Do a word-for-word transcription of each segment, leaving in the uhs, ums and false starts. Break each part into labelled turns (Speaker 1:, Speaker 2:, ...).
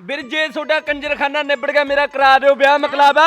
Speaker 1: ਵੀਰ ਜੇ ਤੁਹਾਡਾ ਕੰਜਰਖਾਨਾ ਨਿਬੜ ਗਿਆ ਮੇਰਾ ਕਰਾ ਦਿਓ ਵਿਆਹ ਮਕਲਾਬਾ।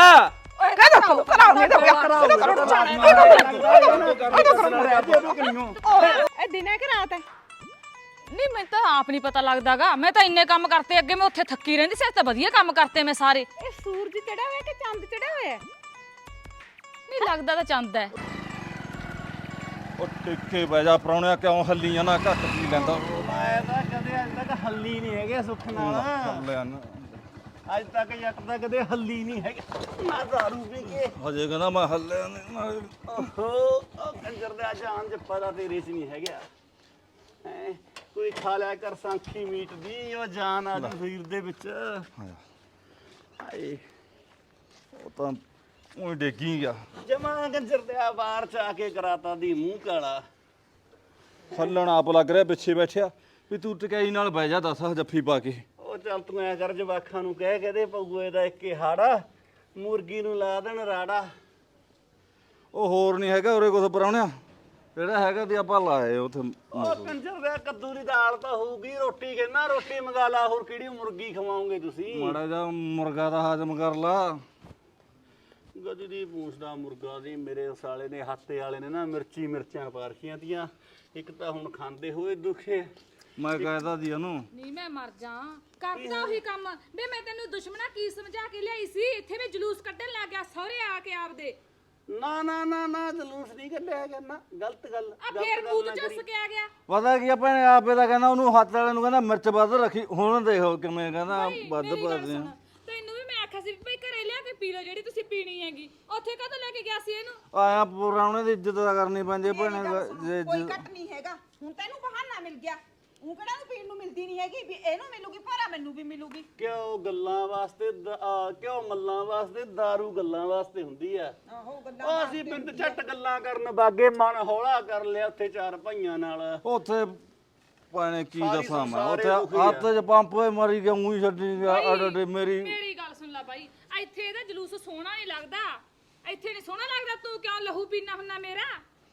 Speaker 2: ਇਹ ਦਿਨੇ ਕਿ ਰਾਤ ਹੈ?
Speaker 3: ਨਹੀਂ ਮੈਨੂੰ ਤਾਂ ਆਪ ਨਹੀਂ ਪਤਾ ਲੱਗਦਾਗਾ। ਮੈਂ ਤਾਂ ਇੰਨੇ ਕੰਮ ਕਰਤੇ ਅੱਗੇ, ਮੈਂ ਉੱਥੇ ਥੱਕੀ ਰਹਿੰਦੀ ਸੀ, ਤਾਂ ਵਧੀਆ ਕੰਮ ਕਰਤੇ ਮੈਂ ਸਾਰੇ।
Speaker 2: ਇਹ ਸੂਰਜ ਚੜਿਆ ਹੋਇਆ ਕਿ ਚੰਦ ਚੜਿਆ ਹੋਇਆ?
Speaker 3: ਨਹੀਂ ਲੱਗਦਾ ਤਾਂ ਚੰਦ ਹੈ।
Speaker 4: ਉਹ ਟਿੱਕੇ ਬਹਿ ਜਾ ਪ੍ਰਾਹੁਣਿਆ, ਕਿਉਂ ਹੱਲੀਆਂ ਨਾ ਘੱਟ ਪੀ ਲੈਂਦਾ।
Speaker 5: ਮੈਂ ਤਾਂ ਕਦੇ ਅੱਜ ਤੱਕ ਹੱਲੀ ਨਹੀਂ ਹੈਗੇ ਸੁੱਖ ਨਾਲ।
Speaker 4: ਹੱਲਿਆ ਨਾ
Speaker 5: ਅੱਜ ਤੱਕ ਜੱਟ ਦਾ ਕਦੇ ਹੱਲੀ ਨਹੀਂ ਹੈਗਾ। ਮੈਂ ਦਾਰੂ ਪੀ ਕੇ
Speaker 4: ਹਜੇ ਕਹਿੰਦਾ ਮੈਂ ਹੱਲਿਆ ਨਹੀਂ।
Speaker 5: ਓਹੋ ਉਹ ਕੰਜਰ ਦੇ ਜਾਨ ਜੱਪਾ ਦਾ ਤੇਰੇ 'ਚ ਨਹੀਂ ਹੈਗਾ। ਹੈਂ, ਕੋਈ ਖਾ ਲਿਆ ਕਰ ਸਾਂਖੀ ਮੀਟ ਦੀ, ਉਹ ਜਾਨ ਆ ਜੂ ਸਰੀਰ ਦੇ ਵਿੱਚ। ਹਾਏ
Speaker 4: ਉਹ ਤਾਂ ਉਹ ਡੇਗੀ ਗਿਆ।
Speaker 5: ਜਮਾ ਕੰਜਰ ਦੇ ਆ ਬਾਹਰ ਚ ਆ ਕੇ ਕਰਾਤਾ ਦੀ ਮੂੰਹ ਕਾਲਾ।
Speaker 4: ਹੱਲਣ ਆਪ ਲੱਗ ਰਿਹਾ ਪਿੱਛੇ ਬੈਠਿਆ ਵੀ ਤੂੰ ਟਕਾਈ ਨਾਲ ਬਹਿ ਜਾ, ਦੱਸ ਜੱਫੀ ਪਾ ਕੇ।
Speaker 5: ਉਹ ਚੱਲ ਤੂੰ ਐ ਕਰ ਜਵਾਖਾਂ ਨੂੰ ਕਹਿ ਕਹਦੇ ਪਊਏ ਦਾ ਇੱਕੇ ਹਾੜਾ, ਮੁਰਗੀ ਨੂੰ ਲਾ ਦੇਣ ਰਾੜਾ।
Speaker 4: ਉਹ ਹੋਰ ਨਹੀਂ ਹੈਗਾ ਉਰੇ ਕੁਛ ਪ੍ਰਾਹੁਣਿਆ, ਜਿਹੜਾ ਹੈਗਾ ਤੇ ਆਪਾਂ ਲਾਏ ਉੱਥੇ।
Speaker 5: ਉਹ ਕੰਜਰ ਦੇ ਕੱਦੂ ਦੀ ਦਾਲ ਤਾਂ ਹੋਊਗੀ, ਰੋਟੀ ਕਹਿੰਦਾ ਰੋਟੀ ਮੰਗਾ ਲਾ, ਹੋਰ ਕਿਹੜੀ ਮੁਰਗੀ ਖਵਾਓਗੇ ਤੁਸੀਂ?
Speaker 4: ਮਾੜਾ ਜਿਹਾ ਮੁਰਗਾ ਦਾ ਹਾਜ਼ਮ ਕਰ ਲਾ।
Speaker 5: ਗਦੀ ਦੀ ਪੂੰਛ ਦਾ ਮੁਰਗਾ ਦੀ ਮੇਰੇ ਸਾਲੇ ਨੇ ਹੱਤੇ ਵਾਲੇ ਨੇ ਨਾ ਮਿਰਚੀ ਮਿਰਚਾਂ ਪਾ ਰਖੀਆਂ ਤੀਆਂ। ਇੱਕ ਤਾਂ ਹੁਣ ਖਾਂਦੇ ਹੋਏ ਦੁਖੇ।
Speaker 4: ਮੈਂ ਕਹਿਦਾ ਦੀ ਉਹਨੂੰ
Speaker 3: ਨਹੀਂ ਮੈਂ ਮਰ ਜਾ, ਕਰਦਾ ਉਹੀ ਕੰਮ ਬੇ। ਮੈਂ ਤੈਨੂੰ ਦੁਸ਼ਮਣਾ ਕੀ ਸਮਝਾ ਕੇ ਲਿਆਈ ਸੀ? ਇੱਥੇ ਵੀ ਜਲੂਸ ਕੱਢਣ ਲੱਗ ਗਿਆ ਸਹੁਰੇ ਆ ਕੇ ਆਪਦੇ।
Speaker 5: ਨਾ ਨਾ ਨਾ ਨਾ ਜਲੂਸ ਨਹੀਂ ਕੱਢਿਆ ਕਰਨਾ, ਗਲਤ ਗੱਲ।
Speaker 3: ਆ ਫੇਰ ਮੂੰਹ ਚ ਚੁੱਸ ਕੇ ਆ ਗਿਆ।
Speaker 4: ਪਤਾ ਕੀ ਆਪਾਂ ਨੇ ਆਪੇ ਦਾ ਕਹਿੰਦਾ ਉਹਨੂੰ ਹੱਥ ਵਾਲੇ ਨੂੰ ਕਹਿੰਦਾ ਮਿਰਚ ਵੱਧ ਰੱਖੀ। ਹੁਣ ਦੇਖੋ ਕਿਵੇਂ ਕਹਿੰਦਾ ਵੱਧ ਪਾਦੇ ਆ।
Speaker 3: ਤੈਨੂੰ ਵੀ ਮੈਂ ਆਖਿਆ ਸੀ ਵੀ ਭਾਈ ਘਰੇ ਲਿਆ ਕੇ ਪੀ ਲਓ ਜਿਹੜੀ ਤੁਸੀਂ ਪੀਣੀ ਹੈਗੀ। ਉੱਥੇ ਕਦੋਂ ਲੈ ਕੇ ਗਿਆ ਸੀ ਇਹਨੂੰ?
Speaker 4: ਆਇਆ ਪ੍ਰਾਹੁਣੇ ਦੀ ਇੱਜ਼ਤ ਤਾਂ ਕਰਨੀ ਪੈਂਦੀ ਭੈਣੇ। ਜੇ
Speaker 2: ਕੋਈ ਕੱਟ ਨਹੀਂ ਹੈਗਾ। ਹੁਣ ਤੈਨੂੰ ਬਹਾਨਾ ਮਿਲ ਗਿਆ। ਉਹ ਕਿਹੜਾ ਨੂੰ ਪੀਣ ਨੂੰ ਮਿਲਦੀ ਨਹੀਂ ਹੈਗੀ ਵੀ ਇਹਨੂੰ ਮਿਲੂਗੀ ਭਾਰਾ ਮੈਨੂੰ ਵੀ ਮਿਲੂਗੀ।
Speaker 5: ਕਿਉਂ ਗੱਲਾਂ ਵਾਸਤੇ ਦ- ਆ, ਕਿਉਂ ਮੱਲਾਂ ਵਾਸਤੇ ਦਾਰੂ ਗੱਲਾਂ ਵਾਸਤੇ ਹੁੰਦੀ ਆ।
Speaker 2: ਆਹੋ ਗੱਲਾਂ
Speaker 5: ਉਹ ਅਸੀਂ ਬਿੰਦ ਝੱਟ ਗੱਲਾਂ ਕਰਨ ਬਾਗੇ, ਮਨ ਹੌਲਾ ਕਰ ਲਿਆ ਉੱਥੇ ਚਾਰ ਭਾਈਆਂ ਨਾਲ।
Speaker 4: ਉੱਥੇ ਪਾਣੇ ਕੀ
Speaker 5: ਸਾਰੀ
Speaker 4: ਦੱਸਾਂ ਮੈਂ,
Speaker 5: ਸੰਸਾਰੇ
Speaker 4: ਉੱਥੇ
Speaker 5: ਦੁਖੀ ਆ।
Speaker 4: ਹੱਥ 'ਚ ਪੰਪ ਹੋਏ ਮਰੀ ਗਿਆ, ਉਹੀ ਛੱਡੀ ਗਿਆ। ਅੜ ਅੜ ਮੇਰੀ
Speaker 3: ਮੇਰੀ ਗੱਲ ਸੁਣ ਲੈ ਬਾਈ, ਇੱਥੇ ਇਹਦਾ ਜਲੂਸ ਸੋਹਣਾ ਨਹੀਂ ਲੱਗਦਾ। ਇੱਥੇ ਨਹੀਂ ਸੋਹਣਾ ਲੱਗਦਾ। ਤੂੰ ਕਿਉਂ ਲਹੂ ਪੀਣਾ ਹੁੰਨਾ ਮੇਰਾ?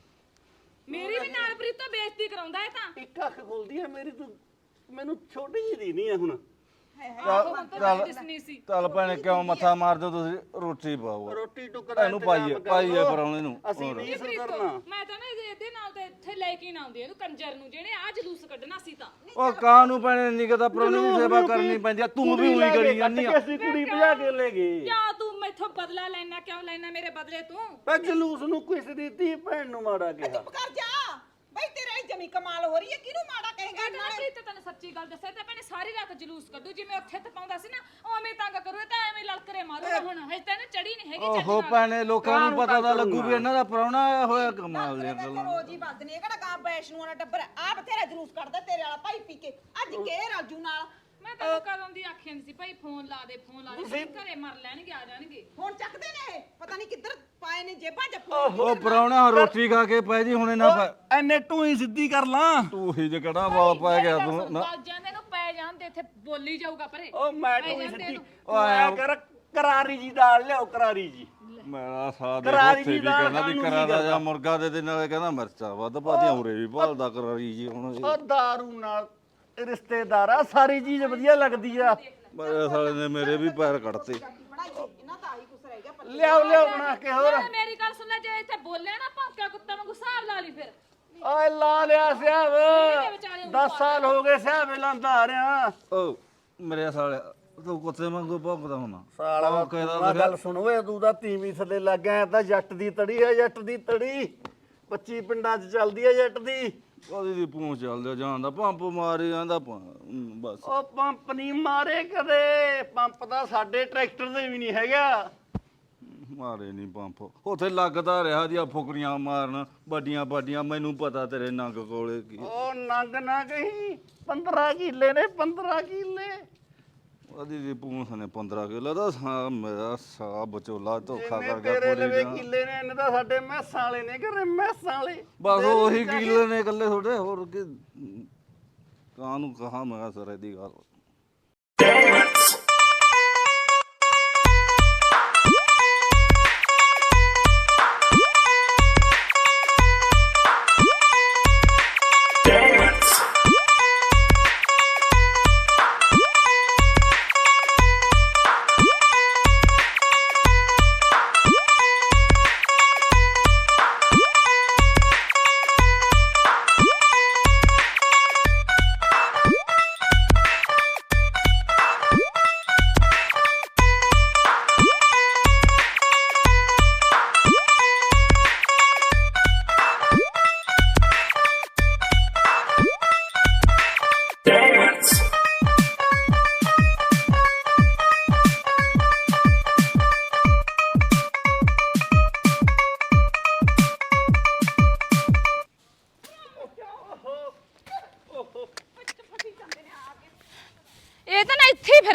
Speaker 3: ਮੇਰੀ ਵੀ ਨਾਲ ਪ੍ਰੀਤੋਂ ਬੇਇੱਜ਼ਤੀ ਕਰਾਉਂਦਾ ਇਹ ਤਾਂ।
Speaker 5: ਇੱਕ ਅੱਖ ਖੁੱਲਦੀ ਆ ਮੇਰੀ, ਤੂੰ ਮੈਨੂੰ ਛੋਟੀ ਜਿਹੀ ਦੀ ਨਹੀਂ ਆ ਹੁਣ।
Speaker 3: ਆਹੋ ਹੁਣ ਤਾਂ ਮੈਂ ਦਿਸਣੀ ਸੀ।
Speaker 4: ਚੱਲ ਭੈਣੇ ਕਿਉਂ ਮੱਥਾ ਮਾਰਦੇ ਹੋ ਤੁਸੀਂ? ਰੋਟੀ ਪਾਓ
Speaker 5: ਰੋਟੀ ਟੁਕੜਾ
Speaker 4: ਇਹਨੂੰ ਪਾਈਏ ਪਾਈਏ ਪਰਾਉਣੇ ਨੂੰ।
Speaker 5: ਅਸੀਂ ਨਹੀਂ
Speaker 3: ਪ੍ਰੀਤੋ,
Speaker 5: ਸੁਧਰਨਾ।
Speaker 3: ਮੈਂ ਤਾਂ ਨਾ ਇਹਦੇ ਇਹਦੇ ਨਾਲ ਤੇ ਇੱਥੇ ਲੈ ਕੇ ਨਾ ਆਉਂਦੀ ਇਹਨੂੰ ਕੰਜਰ ਨੂੰ, ਜਿਹਨੇ ਆ ਜਲੂਸ ਕੱਢਣਾ ਸੀ ਤਾਂ।
Speaker 4: ਉਹ ਕਾਂ ਨੂੰ ਭੈਣੇ ਨਿਕਦਾ ਪਰਾਉਣੇ ਦੀ ਸੇਵਾ ਕਰਨੀ ਪੈਂਦੀ ਆ। ਤੂੰ ਵੀ ਉਹੀ ਕਰੀ ਜਾਂਦੀ ਆ।
Speaker 5: ਅਸੀਂ ਕੁੜੀ ਭਜਾ ਕੇ ਲੈ ਗਏ।
Speaker 3: ਕਿਉਂ ਤੂੰ ਮੈਥੋਂ ਬਦਲਾ ਲੈਣਾ? ਕਿਉਂ ਲੈਣਾ ਮੇਰੇ ਬਦਲੇ ਤੂੰ?
Speaker 5: ਪਰ ਜਲੂਸ ਨੂੰ ਕਿਸ ਦੀ ਧੀ ਭੈਣ ਨੂੰ ਮਾੜਾ ਕਿਹਾ?
Speaker 2: ਚੁੱਪ ਕਰ ਜਾ ਬਈ, ਤੇਰੇ ਵਾਲੀ ਜਮੀ ਕਮਾਲ ਹੋ ਰਹੀ ਹੈ। ਕਿਹਨੂੰ ਮਾੜਾ ਕਹੇਗਾ?
Speaker 3: ਕਹਿੰਦਾ ਸੀ ਤੇ ਤੈਨੂੰ ਸੱਚੀ ਗੱਲ ਦੱਸਿਆ ਤੇ ਭੈਣੇ ਸਾਰੀ ਰਾਤ ਜਲੂਸ ਕੱਢੂ। ਜਿਵੇਂ ਉੱਥੇ ਤਪਾਉਂਦਾ ਸੀ ਨਾ ਉਵੇਂ ਤੰਗ ਕਰੂ। ਇਹ ਤਾਂ ਐਵੇਂ ਲਲਕਰੇ ਮਾਰੂਗਾ। ਹੁਣ ਹਜੇ ਤੈਨੂੰ ਚੜੀ ਨਹੀਂ ਹੈਗੀ ਚੱਜ
Speaker 4: ਓਹੋ
Speaker 3: ਨਾਲ।
Speaker 4: ਭੈਣੇ ਲੋਕਾਂ ਨੂੰ ਪਤਾ ਤਾਂ ਲੱਗੂ ਵੀ ਇਹਨਾਂ ਦਾ ਪਰਾਉਣਾ ਆਇਆ ਹੋਇਆ। ਕਮਾਲ ਦੀਆਂ
Speaker 2: ਮੈਂ
Speaker 4: ਗੱਲਾਂ।
Speaker 2: ਰੋਜ਼ ਹੀ ਵੱਧ ਨੇ ਕਿਹੜਾ ਗਾਂ ਬੈਸ਼ਨੂਆਂ ਦਾ ਟੱਬਰ ਆ ਬਥੇਰਾ ਜਲੂਸ ਕੱਢਦਾ ਤੇਰੇ ਵਾਲਾ ਭਾਈ ਪੀ ਕੇ। ਅੱਜ ਕਿਹੜੇ ਰਾਜੂ ਨਾਲ
Speaker 3: ਮੈਂ ਤੈਨੂੰ ਕਦੋਂ ਦੀ ਆਖਿਆ ਸੀ ਭਾਈ ਫੋਨ ਲਾ ਦੇ ਫੋਨ ਲਾ ਦੇ। ਘਰੇ ਮਰ ਲੈਣਗੇ, ਆ ਜਾਣਗੇ।
Speaker 2: ਹੁਣ ਚੱਕਦੇ ਨੇ ਇਹ, ਪਤਾ ਨਹੀਂ ਕਿੱਧਰ ਪਾਏ ਨੇ ਜੇਬਾਂ ਚ।
Speaker 4: ਉਹ ਪਰਾਉਣਾ ਰੋਟੀ ਖਾ ਕੇ ਪੈ ਜੀ ਹੁਣੇ ਨਾ ਪੈ।
Speaker 5: ਐਨੇ ਟੂਈ ਸਿੱਧੀ ਕਰ ਲਾਂ।
Speaker 4: ਤੂੰ ਹੀ ਜਿਹੜਾ ਵਾਲ ਪੈ ਗਿਆ ਤੂੰ ਨਾ।
Speaker 3: ਗੱਲ ਜਾਂਦੇ ਨੂੰ ਪੈ ਜਾਂਦੇ ਇੱਥੇ ਬੋਲੀ ਜਾਊਗਾ ਪਰੇ।
Speaker 5: ਉਹ ਮੈਂ ਟੂਈ
Speaker 3: ਜਾਂਦੇ
Speaker 5: ਸਿੱਧੀ
Speaker 3: ਨੂੰ।
Speaker 5: ਉਹ ਆਇਆ ਕਰ ਕਰਾਰੀ ਜੀ ਦਾਲ ਲਿਆਓ, ਕਰਾਰੀ ਜੀ।
Speaker 4: ਮੇਰਾ ਸਾਥ
Speaker 5: ਕਰਾਰੀ
Speaker 4: ਉੱਥੇ ਵੀ
Speaker 5: ਜੀ ਦਾਲ
Speaker 4: ਕਹਿੰਦਾ ਵੀ
Speaker 5: ਖਾਣ ਨੂੰ
Speaker 4: ਕਰਾ
Speaker 5: ਜੀ
Speaker 4: ਦਾ
Speaker 5: ਕਰਦਾ।
Speaker 4: ਜਾਂ ਮੁਰਗਾ ਦੇ ਦੇ ਨਾਲੇ ਕਹਿੰਦਾ ਮਿਰਚਾਂ ਵੱਧ ਪਾਦੀਆਂ। ਉਰੇ ਵੀ ਭਾਲਦਾ ਕਰਾਰੀ ਜੀ ਹੁਣ।
Speaker 5: ਉਹ ਦਾਰੂ ਨਾਲ ਰਿਸ਼ਤੇਦਾਰਾ ਸਾਰੀ ਚੀਜ਼ ਵਧੀਆ ਲੱਗਦੀ ਆ।
Speaker 4: ਮੇਰੇ ਸਾਲੇ ਨੇ ਮੇਰੇ ਵੀ ਪੈਰ ਕੱਢਤੇ।
Speaker 2: ਬਣਾਈ ਇਹਨਾਂ ਤਾਂ ਆਹੀ ਕੁਛ ਰਹਿ ਗਿਆ। ਪੱਲੇ
Speaker 5: ਲਿਆਓ ਲਿਆਓ ਬਣਾ ਕੇ ਹੋਰ।
Speaker 3: ਨਾਲੇ ਮੇਰੀ ਗੱਲ ਸੁਣ ਲੈ, ਜੇ ਇੱਥੇ ਬੋਲਿਆ ਨਾ ਭੌਂਕਿਆ ਕੁੱਤਾ ਵਾਂਗੂ ਹਿਸਾਬ ਲਾ ਲਈ ਫਿਰ।
Speaker 5: ਓਏ ਲਾ ਲਿਆ ਸਿਆਬ।
Speaker 3: ਵਿਚਾਲੇ
Speaker 5: ਦਸ ਸਾਲ ਹੋ ਗਏ ਸਿਆਬ ਲਾਂਦਾ ਆ ਰਿਹਾ।
Speaker 4: ਓ ਮੇਰੇ ਸਾਲੇ ਤੂੰ ਕੁੱਤੇ ਵਾਂਗੂ ਭੌਂਕਦਾ ਹੁਣਾ।
Speaker 5: ਸਾਲਾ
Speaker 4: ਕਹਿੰਦਾ
Speaker 5: ਗੱਲ ਸੁਣ ਓਏ, ਤੂੰ ਤਾਂ ਤੀਵੀਂ ਥੱਲੇ ਲੱਗ ਗਿਆ। ਤਾਂ ਜੱਟ ਦੀ ਤੜੀ ਆ, ਜੱਟ ਦੀ ਤੜੀ ਪੱਚੀ ਪਿੰਡਾਂ 'ਚ ਚੱਲਦੀ ਆ ਜੱਟ ਦੀ।
Speaker 4: ਉਹਦੀ ਦੀ ਪੂੰਛ ਚੱਲਦਾ ਜਾਂਦਾ ਪੰਪ ਮਾਰੀ ਜਾਂਦਾ ਬਸ।
Speaker 5: ਉਹ ਪੰਪ ਨਹੀਂ ਮਾਰੇ ਕਦੇ। ਪੰਪ ਤਾਂ ਸਾਡੇ ਟਰੈਕਟਰ ਦੇ ਵੀ ਨਹੀਂ ਹੈਗਾ।
Speaker 4: ਮਾਰੇ ਨਹੀਂ ਪੰਪ। ਉੱਥੇ ਲੱਗਦਾ ਰਿਹਾ ਦੀਆਂ ਫੁਕਰੀਆਂ ਮਾਰਨ ਵੱਡੀਆਂ ਵੱਡੀਆਂ। ਮੈਨੂੰ ਪਤਾ ਤੇਰੇ ਨੰਗ ਕੋਲੇ ਕੀ।
Speaker 5: ਉਹ ਨੰਗ ਨਾ ਕਹੀ, ਪੰਦਰਾਂ ਕਿੱਲੇ ਨੇ, ਪੰਦਰਾਂ ਕਿੱਲੇ।
Speaker 4: ਉਹਦੀ ਦੀ ਪੂੰਛ ਨੇ ਪੰਦਰਾਂ ਕਿਲੋ ਦਾ ਸਾ ਮੇਰਾ ਸਾ ਬਚੋਲਾ ਧੋਖਾ
Speaker 5: ਜਿੰਨੇ
Speaker 4: ਕਰ ਗਿਆ
Speaker 5: ਤੇਰੇ
Speaker 4: ਪੂਰੀ
Speaker 5: ਲਵੇ
Speaker 4: ਦਾ।
Speaker 5: ਕਿੱਲੇ ਨੇ, ਇਹਨੇ ਤਾਂ ਸਾਡੇ ਮੈਸਾਂ ਵਾਲੇ ਨੇ ਘਰੇ, ਮੈਸਾਂ ਵਾਲੇ।
Speaker 4: ਬਸ ਉਹੀ ਕਿੱਲੇ ਨੇ ਇਕੱਲੇ ਤੁਹਾਡੇ। ਹੋਰ ਕੀ ਕਾਹਨੂੰ ਕਹਾ ਮੈਂ ਸਰੇ ਦੀ ਗੱਲ।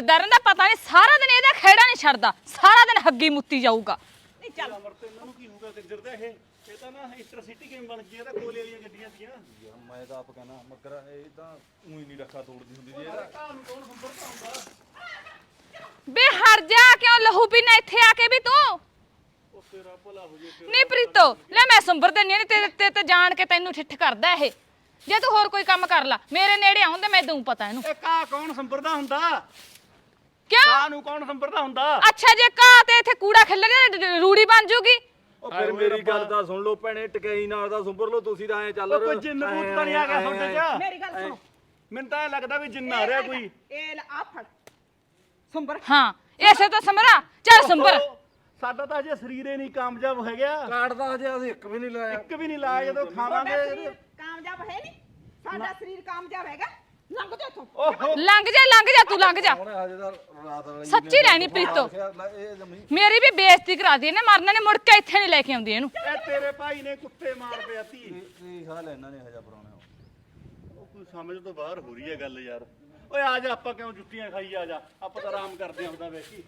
Speaker 3: ਫਿਰਦਾ ਰਹਿੰਦਾ ਪਤਾ ਨਹੀਂ ਸਾਰਾ ਦਿਨ ਇਹਦਾ ਖੇੜਾ ਨਹੀਂ ਛੱਡਦਾ ਸਾਰਾ ਦਿਨ ਹੱਗੀ ਮੁੱਤੀ ਜਾਊਗਾ
Speaker 2: ਨਹੀਂ ਚੱਲ
Speaker 5: ਅਮਰ ਤੇ ਇਹਨਾਂ ਨੂੰ ਕੀ ਹੋਊਗਾ ਕੰਜਰ ਦਾ ਇਹ ਇਹ ਤਾਂ ਨਾ ਇੰਟਰਸਿਟੀ ਕਿਵੇਂ ਬਣ ਗਈ ਇਹਦਾ ਕੋਲੇ ਵਾਲੀਆਂ ਗੱਡੀਆਂ ਸੀਗੀਆਂ
Speaker 4: ਯਾਰ ਮੈਂ ਤਾਂ ਆਪ ਕਹਿਣਾ ਮਗਰ ਇਹ ਤਾਂ ਉਹੀ ਨਹੀਂ ਰੱਖਾ ਤੋੜਦੀ ਹੁੰਦੀ ਜੀ ਇਹਦਾ
Speaker 5: ਘਰ ਨੂੰ ਕੌਣ ਸੰਭਰਦਾ ਹੁੰਦਾ
Speaker 3: ਬੇ ਹਟ ਜਾ ਕਿਉਂ ਲਹੂ ਪੀਣਾ ਇੱਥੇ ਆ ਕੇ ਵੀ ਤੂੰ
Speaker 5: ਉਹ ਤੇਰਾ ਭਲਾ ਹੋ ਜੇ
Speaker 3: ਨਹੀਂ ਪ੍ਰੀਤੋ ਲੈ ਮੈਂ ਸੰਭਰ ਦਿੰਨੀ ਨਹੀਂ ਤੇ ਤੇ ਤੇ ਜਾਣ ਕੇ ਤੈਨੂੰ ਠਿੱਠ ਕਰਦਾ ਇਹ ਜੇ ਤੂੰ ਹੋਰ ਕੋਈ ਕੰਮ ਕਰ ਲਾ ਮੇਰੇ ਨੇੜੇ ਆਉਂ ਤੇ ਮੈਂ ਦਊਂ ਪਤਾ ਇਹਨੂੰ
Speaker 5: ਇਹ ਕਾ ਕੌਣ ਸੰਭਰਦਾ ਹੁੰਦਾ
Speaker 3: ਕਿਉਂ
Speaker 5: ਕਾ ਨੂੰ ਕੌਣ ਸੰਭਰਦਾ ਹੁੰਦਾ
Speaker 3: ਅੱਛਾ ਜੇ ਕਾ ਤੇ ਇੱਥੇ ਕੂੜਾ ਖਿੱਲਰ ਰੂੜੀ ਬਣ ਜੂਗੀ
Speaker 4: ਉਹ ਫਿਰ ਮੇਰੀ ਗੱਲ ਤਾਂ ਸੁਣ ਲਓ ਭੈਣੇ ਟਕਈ ਨਾਲ ਦਾ ਸੁੰਬਰ ਲਓ ਤੁਸੀਂ ਤਾਂ ਐ ਚੱਲ
Speaker 5: ਉਹ ਕੋਈ ਜਿੰਨ ਭੂਤ ਤਾਂ ਨਹੀਂ ਆ ਗਿਆ ਤੁਹਾਡੇ ਚ
Speaker 2: ਮੇਰੀ ਗੱਲ ਸੁਣੋ
Speaker 5: ਮੈਨੂੰ ਤਾਂ ਇਹ ਲੱਗਦਾ ਵੀ ਜਿੰਨ ਆ ਰਿਹਾ ਕੋਈ
Speaker 2: ਇਹ ਲੈ ਆ ਫੜ ਸੰਭਰ
Speaker 3: ਹਾਂ ਐਸੇ ਤਾਂ ਸਮਰਾ ਚੱਲ ਸੰਭਰ
Speaker 5: ਓਹੋ, ਸਾਡਾ ਤਾਂ ਅਜੇ ਸਰੀਰ ਹੀ ਨਹੀਂ ਕਾਮਯਾਬ ਹੋ ਗਿਆ
Speaker 4: ਕਾਰਡ ਦਾ ਹਜੇ ਅਸੀਂ ਇੱਕ ਵੀ ਨਹੀਂ ਲਾਇਆ
Speaker 5: ਇੱਕ ਵੀ ਨਹੀਂ ਲਾਇਆ ਜਦੋਂ
Speaker 2: ਤੁਹਾਡਾ
Speaker 5: ਖਾਵਾਂਗੇ
Speaker 2: ਸਰੀਰ ਕਾਮਯਾਬ ਹੈ ਨਹੀਂ ਸਾਡਾ ਸਰੀਰ ਕਾਮਯਾਬ ਹੈਗਾ ਲੰਘ ਜਾ ਇੱਥੋਂ
Speaker 5: ਓਹੋ
Speaker 3: ਲੰਘ ਜਾ ਲੰਘ ਜਾ ਤੂੰ ਲੰਘ ਜਾ
Speaker 4: ਹੁਣ ਹਜੇ ਤਾਂ ਰਾਤ ਵਾਲੀ
Speaker 3: ਸੱਚੀ ਰਹਿਣੀ ਪ੍ਰੀਤੋ
Speaker 4: ਇਹ ਜਮੀ
Speaker 3: ਮੇਰੀ ਵੀ ਬੇਇੱਜ਼ਤੀ ਕਰਾ ਦੀ ਇਹਨੇ ਮਰਨਾ ਨੇ ਮੁੜ ਕੇ ਇੱਥੇ ਨਹੀਂ ਲੈ ਕੇ ਆਉਂਦੀ ਇਹਨੂੰ
Speaker 5: ਇਹ ਤੇਰੇ ਭਾਈ ਨੇ ਕੁੱਤੇ ਮਾਰ ਪਿਆ ਤੀ
Speaker 4: ਕੀ ਹਾਲ ਇਹਨਾਂ ਨੇ ਹਜਾ ਪਰਾਉਣੇ
Speaker 5: ਉਹ ਕੋਈ ਸਮਝ ਤੋਂ ਬਾਹਰ ਹੋ ਰਹੀ ਹੈ ਗੱਲ ਯਾਰ ਓਏ ਆ ਜਾ ਆਪਾਂ ਕਿਉਂ ਜੁੱਤੀਆਂ ਖਾਈ ਆ ਜਾ ਆਪਾਂ ਤਾਂ ਆਰਾਮ ਕਰਦੇ ਆਂ ਉਹਦਾ ਵੇਖੀ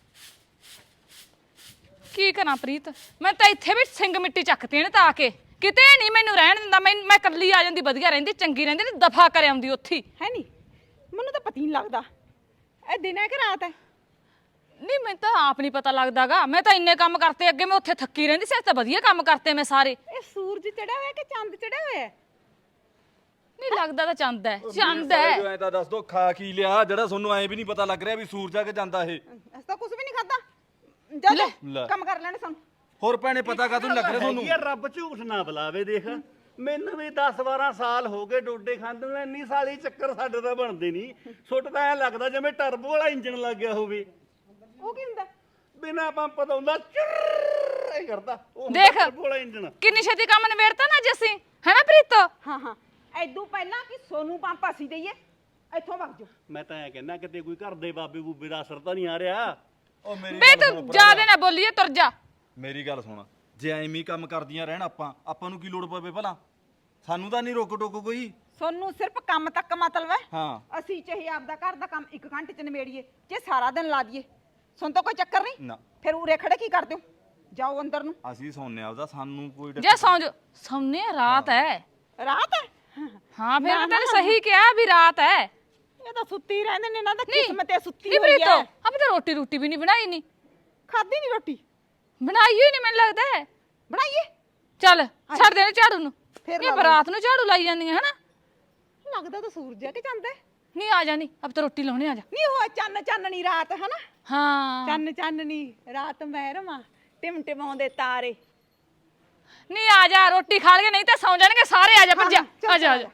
Speaker 3: ਕੀ ਕਰਾਂ ਪ੍ਰੀਤ ਮੈਂ ਤਾਂ ਇੱਥੇ ਵੀ ਸਿੰਘ ਮਿੱਟੀ ਚੱਕਤੀ ਇਹਨੇ ਤਾਂ ਆ ਕੇ ਕਿਤੇ ਨਹੀਂ ਮੈਨੂੰ ਰਹਿਣ ਦਿੰਦਾ ਮੈਂ ਮੈਂ ਇਕੱਲੀ ਆ ਜਾਂਦੀ ਵਧੀਆ ਰਹਿੰਦੀ ਚੰਗੀ ਰਹਿੰਦੀ ਤੇ ਦਫਾ ਕਰ ਆਉਂਦੀ ਉੱਥੇ
Speaker 2: ਹੈ ਨਹੀਂ ਮੈਨੂੰ ਤਾਂ ਪਤਾ ਹੀ ਨਹੀਂ ਲੱਗਦਾ ਇਹ ਦਿਨ ਹੈ ਕਿ ਰਾਤ ਹੈ
Speaker 3: ਨਹੀਂ ਮੈਨੂੰ ਤਾਂ ਆਪ ਨਹੀਂ ਪਤਾ ਲੱਗਦਾਗਾ ਮੈਂ ਤਾਂ ਇੰਨੇ ਕੰਮ ਕਰਤੇ ਅੱਗੇ ਮੈਂ ਉੱਥੇ ਥੱਕੀ ਰਹਿੰਦੀ ਸੀ ਅੱਜ ਤਾਂ ਵਧੀਆ ਕੰਮ ਕਰਤੇ ਮੈਂ ਸਾਰੇ
Speaker 2: ਇਹ ਸੂਰਜ ਚੜਿਆ ਹੋਇਆ ਕਿ ਚੰਦ ਚੜਿਆ ਹੋਇਆ ਹੈ
Speaker 3: ਨਹੀਂ ਲੱਗਦਾ ਤਾਂ ਚੰਦ ਹੈ ਚੰਦ ਹੈ
Speaker 4: ਐ ਤਾਂ ਦੱਸ ਦੋ ਖਾ ਕੀ ਲਿਆ ਜਿਹੜਾ ਤੁਹਾਨੂੰ ਐ ਵੀ ਨਹੀਂ ਪਤਾ ਲੱਗ ਰਿਹਾ ਵੀ ਸੂਰਜ ਆ ਕੇ ਜਾਂਦਾ ਇਹ
Speaker 2: ਅਸੀਂ ਤਾਂ ਕੁਝ ਵੀ ਨਹੀਂ ਖਾਦਾ ਜਾ
Speaker 4: ਲੈ।
Speaker 2: ਜਾ ਕੰਮ ਕਰ ਲੈਣੇ ਸਾਨੂੰ
Speaker 4: ਹੋਰ ਭੈਣੇ ਪਤਾ ਕਾ ਲੱਗ ਰਿਹਾ ਤੁਹਾਨੂੰ
Speaker 5: ਹੈਗੀ ਆ, ਰੱਬ ਝੂਠ ਨਾ ਬੁਲਾਵੇ ਦੇਖ ਮੈਨੂੰ ਵੀ ਦਸ ਬਾਰਾਂ ਸਾਲ ਹੋ ਗਏ ਡੋਡੇ ਖਾਂਦੇ ਨੂੰ ਇੰਨੀ ਸਾਲੀ ਚੱਕਰ ਸਾਡੇ ਤਾਂ ਬਣਦੇ ਨਹੀਂ ਸੁੱਟ ਤਾਂ ਐ ਲੱਗਦਾ ਜਿਵੇਂ ਟਰਬੋ ਵਾਲਾ ਇੰਜਨ ਲੱਗ ਗਿਆ ਹੋਵੇ
Speaker 2: ਉਹ ਕੀ ਹੁੰਦਾ
Speaker 5: ਬਿਨਾ ਪੰਪ ਤੋਂ ਹੁੰਦਾ ਚੁਰ ਇਹ ਕਰਦਾ ਉਹ ਹੁੰਦਾ
Speaker 3: ਦੇਖ।
Speaker 5: ਟਰਬੋ ਵਾਲਾ ਇੰਜਨ
Speaker 3: ਕਿੰਨੀ ਛੇਤੀ ਕੰਮ ਨਿਬੇੜਤਾ ਨਾ ਅੱਜ ਅਸੀਂ ਹੈਨਾ ਪ੍ਰੀਤੋ
Speaker 2: ਹਾਂ ਹਾਂ ਐਦੋਂ ਪਹਿਲਾਂ ਕਿ ਸੋਨੂੰ ਪੰਪ ਅਸੀਂ ਦਈਏ ਇੱਥੋਂ ਵਗ ਜਾਓ
Speaker 5: ਮੈਂ ਤਾਂ ਐ ਕਹਿੰਦਾ ਕਿਤੇ ਕੋਈ ਘਰ ਦੇ ਬਾਬੇ ਬੂਬੇ ਦਾ ਅਸਰ ਤਾਂ ਨਹੀਂ ਆ ਰਿਹਾ
Speaker 4: ਉਹ ਮੇਰੀ
Speaker 3: ਬੇ ਤੂੰ ਜਿਆਦਾ ਨਾ ਬੋਲੀਏ ਤੁਰ ਜਾ
Speaker 4: ਮੇਰੀ ਗੱਲ ਸੁਣ ਜੇ ਐਵੇਂ ਹੀ ਕੰਮ ਕਰਦੀਆਂ ਰਹਿਣ ਆਪਾਂ ਆਪਾਂ ਨੂੰ ਕੀ ਲੋੜ ਪਵੇ ਭਲਾ ਸਾਨੂੰ ਤਾਂ ਨਹੀਂ ਰੋਕ ਟੋਕ ਕੋਈ
Speaker 2: ਸੋਨੂੰ ਸਿਰਫ ਕੰਮ ਤੱਕ ਮਤਲਬ ਹੈ
Speaker 4: ਹਾਂ
Speaker 2: ਅਸੀਂ ਚਾਹੇ ਆਪਦਾ ਘਰ ਦਾ ਕੰਮ ਇੱਕ ਘੰਟੇ ਚ ਨਿਬੇੜੀਏ ਜੇ ਸਾਰਾ ਦਿਨ ਲਾ ਦਈਏ ਸੁਣ ਤਾਂ ਕੋਈ ਚੱਕਰ ਨਹੀਂ
Speaker 4: ਨਾ
Speaker 2: ਫਿਰ ਉਰੇ ਖੜੇ ਕੀ ਕਰਦੇ ਹੋ ਜਾਓ ਅੰਦਰ ਨੂੰ
Speaker 4: ਅਸੀਂ ਸੌਂਨੇ ਆਪਦਾ ਸਾਨੂੰ ਕੋਈ ਡਰ-
Speaker 3: ਜੇ ਸੌਂ ਜਾ ਸੌਂਨੇ ਆ, ਰਾਤ ਹੈ
Speaker 2: ਰਾਤ ਹੈ
Speaker 3: ਹਾਂ ਫਿਰ
Speaker 2: ਨਾ,
Speaker 3: ਮੈਂ ਤੈਨੂੰ
Speaker 2: ਨਾ।
Speaker 3: ਸਹੀ ਕਿਹਾ ਵੀ ਰਾਤ ਹੈ
Speaker 2: ਇਹ ਤਾਂ ਸੁੱਤੀ ਰਹਿੰਦੇ ਨੇ ਇਹਨਾਂ ਦਾ
Speaker 3: ਨਹੀਂ
Speaker 2: ਕਿਸਮਤ ਹੈ ਸੁੱਤੀ
Speaker 3: ਨਹੀਂ
Speaker 2: ਹੋਈ
Speaker 3: ਪ੍ਰੀਤੋ
Speaker 2: ਹੈ
Speaker 3: ਅਬ ਤਾਂ ਰੋਟੀ ਰੋਟੀ ਵੀ ਨਹੀਂ ਬਣਾਈ ਨਹੀਂ
Speaker 2: ਖਾਦੀ ਨਹੀਂ ਰੋਟੀ
Speaker 3: ਬਣਾਈ ਹੋਈ ਨਹੀਂ ਮੈਨੂੰ ਲੱਗਦਾ ਹੈ
Speaker 2: ਬਣਾਈਏ
Speaker 3: ਚੱਲ ਛੱਡ ਦੇ ਝਾੜੂ ਨੂੰ
Speaker 2: ਫਿਰ
Speaker 3: ਨਹੀਂ
Speaker 2: ਲਾ
Speaker 3: ਬਰਾਤ ਨੂੰ ਝਾੜੂ ਲਾਈ ਜਾਂਦੀਆਂ ਹਨਾ
Speaker 2: ਲੱਗਦਾ ਤਾਂ ਸੂਰਜ ਹੈ ਕਿ ਚੰਦ ਹੈ
Speaker 3: ਨਹੀਂ ਆ ਜਾਣੀ ਅਬ ਤਾਂ ਰੋਟੀ ਲਾਉਣੇ ਆ ਜਾ
Speaker 2: ਨਹੀਂ ਉਹ ਚੰਨ ਚਾਨਣੀ ਰਾਤ ਹੈ ਨਾ
Speaker 3: ਹਾਂ
Speaker 2: ਚੰਨ ਚਾਨਣੀ ਰਾਤ ਮਹਿਰਮਾ ਟਿਮ ਟਿਮਾਉਂਦੇ ਤਾਰੇ
Speaker 3: ਨਹੀਂ ਆ ਜਾ ਰੋਟੀ ਖਾ ਲਈਏ ਨਹੀਂ ਤਾਂ ਸੌਂ ਜਾਣਗੇ ਸਾਰੇ ਆ ਜਾ ਭੱਜਾ
Speaker 2: ਚੱਲ,
Speaker 3: ਆ ਜਾ ਆ ਜਾ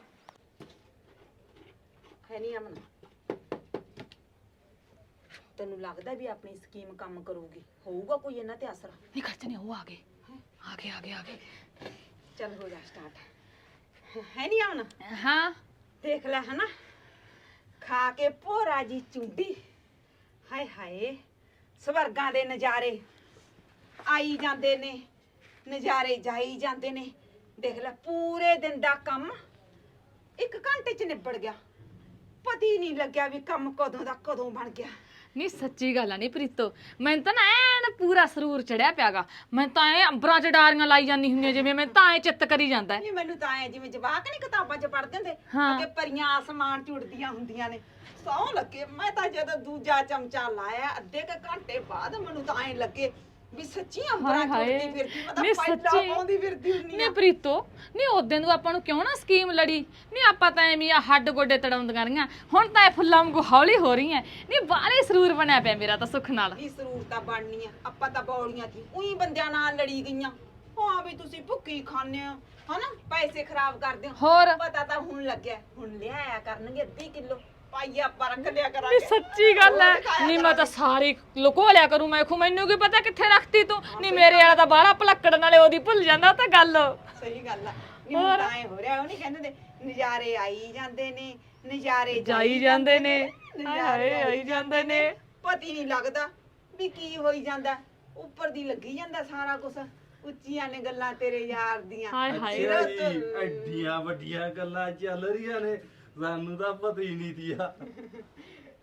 Speaker 2: ਹੈ ਨਹੀਂ ਅਮਨ ਤੈਨੂੰ ਲੱਗਦਾ ਵੀ ਆਪਣੀ ਸਕੀਮ ਕੰਮ ਕਰੂਗੀ ਹੋਊਗਾ ਕੋਈ ਇਹਨਾਂ ਤੇ ਅਸਰ
Speaker 3: ਨਹੀਂ ਖਰਚ ਨਹੀਂ ਉਹ ਆ ਗਏ ਆ ਗਏ ਆ ਗਏ ਆ ਗਏ
Speaker 2: ਚੱਲ ਹੋ ਜਾ ਸਟਾਰਟ ਹੈ ਨਹੀਂ ਅਮਨ
Speaker 3: ਹਾਂ
Speaker 2: ਦੇਖ ਲੈ ਹਨਾ ਖਾ ਕੇ ਭੋਰਾ ਜੀ ਚੁੰਡੀ ਹਾਏ ਹਾਏ ਸਵਰਗਾਂ ਦੇ ਨਜ਼ਾਰੇ ਆਈ ਜਾਂਦੇ ਨੇ ਨਜ਼ਾਰੇ ਜਾਈ ਜਾਂਦੇ ਨੇ ਦੇਖ ਲੈ ਪੂਰੇ ਦਿਨ ਦਾ ਕੰਮ ਇੱਕ ਘੰਟੇ ਚ ਨਿਬੜ ਗਿਆ ਪਤਾ ਹੀ ਨਹੀਂ ਲੱਗਿਆ ਵੀ ਕੰਮ ਕਦੋਂ ਦਾ ਕਦੋਂ ਬਣ ਗਿਆ
Speaker 3: ਨਹੀਂ ਸੱਚੀ ਗੱਲ ਆ ਨਹੀਂ ਪ੍ਰੀਤੋ ਮੈਨੂੰ ਤਾਂ ਨਾ ਐਨ ਪੂਰਾ ਸਰੂਰ ਚੜਿਆ ਪਿਆਗਾ ਮੈਂ ਤਾਂ ਐ ਅੰਬਰਾਂ ਚ ਡਾਰੀਆਂ ਲਾਈ ਜਾਂਦੀ ਹੁੰਦੀਆਂ ਜਿਵੇਂ ਮੈਂ ਤਾਂ ਐ ਚਿੱਤ ਕਰੀ ਜਾਂਦਾ ਹੈ।
Speaker 2: ਨਹੀਂ ਮੈਨੂੰ ਤਾਂ ਐ ਜਿਵੇਂ ਜਵਾਕ ਨਹੀਂ ਕਿਤਾਬਾਂ 'ਚ ਪੜ੍ਹਦੇ ਹੁੰਦੇ
Speaker 3: ਹਾਂ।
Speaker 2: ਕਿ ਪਰੀਆਂ ਆਸਮਾਨ 'ਚ ਉੜਦੀਆਂ ਹੁੰਦੀਆਂ ਨੇ ਸੌ ਲੱਗੇ ਮੈਂ ਤਾਂ ਜਦੋਂ ਦੂਜਾ ਚਮਚਾ ਲਾਇਆ ਅੱਧੇ ਕ ਘੰਟੇ ਬਾਅਦ ਮੈਨੂੰ ਤਾਂ ਐ ਲੱਗੇ ਵੀ ਸੱਚੀ ਅੰਬਰਾਂ 'ਚ
Speaker 3: ਹਾਏ
Speaker 2: ਉੜਦੀ ਫਿਰਦੀ ਮੈਂ ਤਾਂ
Speaker 3: ਨਹੀਂ
Speaker 2: ਪਹਿਲਾਂ
Speaker 3: ਸੱਚੀ
Speaker 2: ਪਾਉਂਦੀ ਫਿਰਦੀ ਹੁੰਨੀ
Speaker 3: ਨਹੀਂ
Speaker 2: ਆ
Speaker 3: ਪ੍ਰੀਤੋ ਨਹੀਂ ਉਦੋਂ ਨੂੰ ਆਪਾਂ ਨੂੰ ਕਿਉਂ ਨਾ ਸਕੀਮ ਲੜੀ ਨਹੀਂ ਆਪਾਂ ਤਾਂ ਐਵੇਂ ਆ ਹੱਡ ਗੋਡੇ ਤੜਾਉਂਦੀਆਂ ਰਹੀਆਂ ਹੁਣ ਤਾਂ ਇਹ ਫੁੱਲਾਂ ਵਾਂਗੂ ਹੌਲੀ ਹੋ ਰਹੀਆਂ ਨਹੀਂ ਬਾਹਲੇ ਸਰੂਰ ਬਣਿਆ ਪਿਆ ਮੇਰਾ ਤਾਂ ਸੁੱਖ ਨਾਲ
Speaker 2: ਦੀ ਸਰੂਰਤਾ ਬਣਨੀ ਆ ਆਪਾਂ ਤਾਂ ਬੌਲੀਆਂ ਸੀ ਉਹੀ ਬੰਦਿਆਂ ਨਾਲ ਲੜੀ ਗਈਆਂ ਹਾਂ ਵੀ ਤੁਸੀਂ ਭੁੱਖੀ ਖਾਣੇ ਹੋ ਹਨਾ ਪੈਸੇ ਖਰਾਬ ਕਰਦੇ ਹੋ
Speaker 3: ਹੋਰ
Speaker 2: ਪਤਾ ਤਾਂ ਹੁਣ ਲੱਗਿਆ ਹੁਣ ਲਿਆਇਆ ਕਰਨਗੇ ਅੱਧੀ ਕਿਲੋ ਪਾਈਆ ਆਪਾਂ ਰੱਖ ਲਿਆ
Speaker 3: ਨਹੀਂ
Speaker 2: ਕਰਾਂਗੇ
Speaker 3: ਸੱਚੀ ਗੱਲ ਹੈ ਨਹੀਂ ਮੈਂ ਤਾਂ ਸਾਰੀ ਲੁਕੋ ਲਿਆ ਕਰੂੰ ਮੈਂ ਖੂ ਮੈਨੂੰ ਕੀ ਪਤਾ ਕਿੱਥੇ ਰੱਖਤੀ ਤੂੰ ਨਹੀਂ ਮੇਰੇ ਵਾਲਾ ਤਾਂ ਬਾਹਲਾ ਭਲੱਕੜ ਨਾਲੇ ਉਹਦੀ ਭੁੱਲ ਜਾਂਦਾ ਉਹ ਤਾਂ ਗੱਲ
Speaker 2: ਸਹੀ ਗੱਲ ਆ ਨਹੀਂ ਹੁਣ ਤਾਂ ਐ ਹੋ ਰਿਹਾ ਉਹ ਨਹੀਂ ਕਹਿੰਦੇ ਨੇ ਨਜ਼ਾਰੇ ਆਈ ਜਾਂਦੇ ਨੇ ਨਜ਼ਾਰੇ
Speaker 3: ਜਾਈ ਜਾਂਦੇ ਨੇ
Speaker 2: ਨਜ਼ਾਰੇ
Speaker 3: ਹਾਏ ਆਈ ਜਾਂਦੇ ਨੇ
Speaker 2: ਪਤੀ ਨਹੀਂ ਲੱਗਦਾ ਵੀ ਕੀ ਹੋਈ ਜਾਂਦਾ ਉੱਪਰ ਦੀ ਲੱਗੀ ਜਾਂਦਾ ਸਾਰਾ ਕੁਝ ਉੱਚੀਆਂ ਨੇ ਗੱਲਾਂ ਤੇਰੇ ਯਾਰ ਦੀਆਂ
Speaker 3: ਹਾਏ ਹਾਏ
Speaker 4: ਅੱਛਾ ਜੀ ਐਡੀਆਂ ਵੱਡੀਆਂ ਗੱਲਾਂ ਚੱਲ ਰਹੀਆਂ ਨੇ ਸਾਨੂੰ ਤਾਂ ਪਤਾ ਹੀ ਨਹੀਂ ਤੀਆ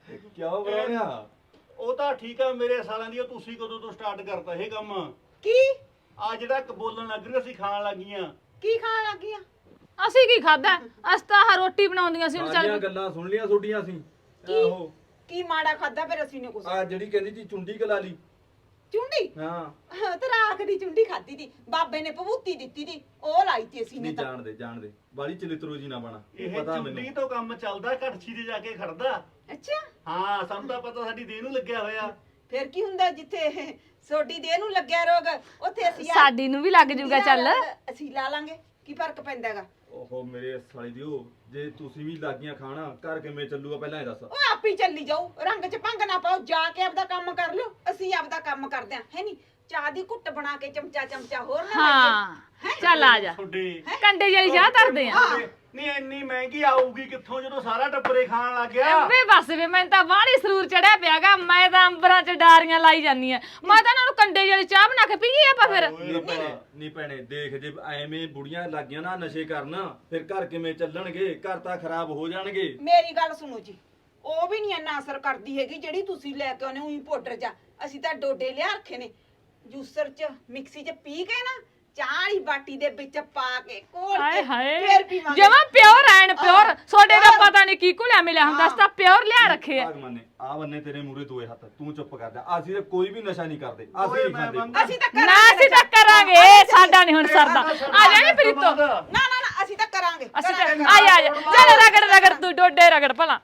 Speaker 4: ਕਿਉਂ ਬਣਾਉਣਿਆ?
Speaker 5: ਉਹ ਤਾਂ ਠੀਕ ਆ ਮੇਰੇ ਸਾਲਾਂ ਦੀ, ਉਹ ਤੁਸੀਂ ਕਦੋਂ ਤੋਂ ਸਟਾਰਟ ਕਰਤਾ ਇਹ ਕੰਮ?
Speaker 2: ਕੀ
Speaker 5: ਆ ਜਿਹੜਾ ਇੱਕ ਬੋਲਣ ਲੱਗ ਰਹੀ ਅਸੀਂ ਖਾਣ ਲੱਗੀਆਂ।
Speaker 2: ਕੀ ਖਾਣ ਲੱਗੀਆਂ?
Speaker 3: ਅਸੀਂ ਕੀ ਖਾਦਾ? ਅਸੀਂ ਤਾਂ ਆਹ ਰੋਟੀ ਬਣਾਉਂਦੀਆਂ ਸੀ ਹੁਣ
Speaker 4: ਸਾਰੀਆਂ
Speaker 3: ਚੱਲ
Speaker 4: ਗੱਲਾਂ ਸੁਣ ਲੀਆਂ ਤੁਹਾਡੀਆਂ ਅਸੀਂ।
Speaker 2: ਕੀ
Speaker 4: ਆਹੋ
Speaker 2: ਕੀ ਮਾੜਾ ਖਾਦਾ ਫਿਰ ਅਸੀਂ ਨੇ ਕੁਛ?
Speaker 4: ਆ ਜਿਹੜੀ ਕਹਿੰਦੀ ਸੀ ਚੁੰਡੀ ਕਲਾ ਲਈ।
Speaker 2: ਚੁੰਡੀ?
Speaker 4: ਹਾਂ
Speaker 2: ਹਾਂ ਤੇ ਰਾਖ ਦੀ ਚੁੰਡੀ ਖਾਦੀ ਦੀ ਬਾਬੇ ਨੇ ਭਬੂਤੀ ਦਿੱਤੀ ਦੀ, ਉਹ ਲਾਈ ਤੀ ਅਸੀਂ ਨੇ
Speaker 4: ਨਹੀਂ
Speaker 2: ਤਾਂ।
Speaker 4: ਜਾਣਦੇ ਜਾਣਦੇ ਬਾਲੀ ਚਲਿਤਰੋ ਜੀ ਨਾ ਬਣਾ,
Speaker 5: ਇਹ
Speaker 4: ਪਤਾ
Speaker 5: ਚੁੰਡੀ
Speaker 4: ਮੈਨੂੰ।
Speaker 5: ਤੋਂ ਕੰਮ ਚੱਲਦਾ, ਘੜਛੀ ਤੇ ਜਾ ਕੇ ਖੜਦਾ।
Speaker 2: ਅੱਛਾ
Speaker 5: ਹਾਂ ਸਾਨੂੰ ਤਾਂ ਪਤਾ ਸਾਡੀ ਦੇਹ ਨੂੰ ਲੱਗਿਆ ਹੋਇਆ।
Speaker 2: ਫਿਰ ਕੀ ਹੁੰਦਾ ਜਿੱਥੇ ਸੋਡੀ ਦੇਹ ਨੂੰ ਲੱਗਿਆ ਰੋਗ ਉੱਥੇ ਅਸੀਂ ਆ-
Speaker 3: ਸਾਡੀ ਨੂੰ ਵੀ ਲੱਗ ਜੂਗਾ ਚੱਲ।
Speaker 2: ਅਸੀਂ ਲਾ ਲਾਂਗੇ, ਕੀ ਫਰਕ ਪੈਂਦਾ ਹੈਗਾ?
Speaker 4: ਓਹੋ ਮੇਰੇ ਸਾਲੀ ਦਿਓ, ਜੇ ਤੁਸੀਂ ਵੀ ਲੱਗੀਆਂ ਖਾਣਾ ਘਰ ਕਿਵੇਂ ਚੱਲੂਗਾ ਪਹਿਲਾਂ ਇਹ ਦੱਸ।
Speaker 2: ਉਹ ਆਪ ਹੀ ਚੱਲੀ ਜਾਊ, ਰੰਗ ਚ ਭੰਗ ਨਾ ਪਾਓ, ਜਾ ਕੇ ਆਪਦਾ ਕੰਮ ਕਰ ਲਿਓ, ਅਸੀਂ ਆਪਦਾ ਕੰਮ ਕਰਦੇ ਆਂ। ਹੈ ਨਹੀਂ ਚਾਹ ਦੀ ਘੁੱਟ ਬਣਾ ਕੇ ਚਮਚਾ ਚਮਚਾ ਹੋਰ ਨਾ
Speaker 3: ਹਾਂ ਚੱਲ ਆ ਜਾ,
Speaker 5: ਤੁਹਾਡੇ
Speaker 3: ਕੰਡੇ ਵਾਲੀ ਚਾਹ ਧਰਦੇ ਆ।
Speaker 5: ਨਹੀਂ ਇੰਨੀ ਮਹਿੰਗੀ ਆਊਗੀ ਕਿੱਥੋਂ ਜਦੋਂ ਸਾਰਾ ਟੱਬਰੇ ਖਾਣ ਲੱਗ ਗਿਆ?
Speaker 3: ਵੇ ਬਸ ਵੇ ਮੈਨੂੰ ਤਾਂ ਬਾਹਲੀ ਸਰੂਰ ਚੜਿਆ ਪਿਆਗਾ, ਮੈਂ ਤਾਂ ਅੰਬਰਾਂ ਚ ਡਾਰੀਆਂ ਲਾਈ ਜਾਂਦੀ ਆ। ਮੈਂ ਤਾਂ ਇਹਨਾਂ ਨੂੰ ਕੰਡੇ ਵਾਲੀ ਚਾਹ ਬਣਾ ਕੇ ਪੀਏ ਆਪਾਂ ਫਿਰ।
Speaker 4: ਨਹੀਂ ਭੈਣੇ ਨਹੀਂ ਭੈਣੇ ਦੇਖ, ਜੇ ਐਵੇਂ ਬੁੜੀਆਂ ਲੱਗੀਆਂ ਨਾ ਨਸ਼ੇ ਕਰਨ ਫਿਰ ਘਰ ਕਿਵੇਂ ਚੱਲਣਗੇ? ਘਰ ਤਾਂ ਖਰਾਬ ਹੋ ਜਾਣਗੇ।
Speaker 2: ਮੇਰੀ ਗੱਲ ਸੁਣੋ ਜੀ, ਉਹ ਵੀ ਨਹੀਂ ਇੰਨਾ ਅਸਰ ਕਰਦੀ ਹੈਗੀ ਜਿਹੜੀ ਤੁਸੀਂ ਲੈ ਕੇ ਆਉਨੇ ਉਹੀ ਪਾਊਡਰ ਜਾ। ਅਸੀਂ ਤਾਂ ਡੋਡੇ ਲਿਆ ਰੱਖੇ ਨੇ, ਜੂਸਰ ਚ ਮਿਕਸੀ ਚ ਪੀ ਕੇ ਨਾ ਚਾਹ ਵਾਲੀ ਬਾਟੀ ਦੇ ਵਿੱਚ ਪਾ ਕੇ ਕੋਲ
Speaker 3: ਹਾਏ
Speaker 2: ਕੇ
Speaker 3: ਹਾਏ
Speaker 2: ਫੇਰ ਪੀਵਾਂਗੇ।
Speaker 3: ਜਮਾ ਪਿਓਰ ਐਨ ਪਿਓਰ, ਛੋਡੇ ਦਾ ਪਤਾ ਨਹੀਂ ਕੀ ਘੁਲਿਆ ਮਿਲਿਆ ਹੁੰਦਾ, ਅਸੀਂ ਤਾਂ ਪਿਓਰ ਲਿਆ ਰੱਖੇ ਆ।
Speaker 4: ਭਗਵਾਨ ਨੇ ਆ ਬੰਨੇ ਤੇਰੇ ਮੂਰੇ ਦੋਏ ਹੱਥ, ਤੂੰ ਚੁੱਪ ਕਰ ਜਾ। ਅਸੀਂ ਤਾਂ ਕੋਈ ਵੀ ਨਸ਼ਾ ਨਹੀਂ ਕਰਦੇ, ਅਸੀਂ
Speaker 5: ਓਏ
Speaker 4: ਨਹੀਂ
Speaker 5: ਮੈਂ
Speaker 4: ਖਾਂਦੇ।
Speaker 5: ਬੰਦਾ-
Speaker 2: ਅਸੀਂ ਤਾਂ
Speaker 3: ਨਾ
Speaker 2: ਕਰਾਂਗੇ
Speaker 3: ਅਸੀਂ ਤਾਂ ਕਰਾਂਗੇ, ਸਾਡਾ ਨਹੀਂ ਹੁਣ ਸਰਦਾ। ਆ ਜਾ ਨੀ ਪ੍ਰੀਤੋ,
Speaker 2: ਨਾ ਨਾ ਨਾ ਅਸੀਂ ਤਾਂ ਕਰਾਂਗੇ
Speaker 3: ਅਸੀਂ ਤਾਂ
Speaker 2: ਕਰਾਂਗੇ।
Speaker 3: ਆ ਜਾ ਆ ਜਾ ਚੱਲ ਰਗੜ ਰਗੜ ਤੂੰ ਡੋਡੇ ਰਗੜ ਭਲਾ।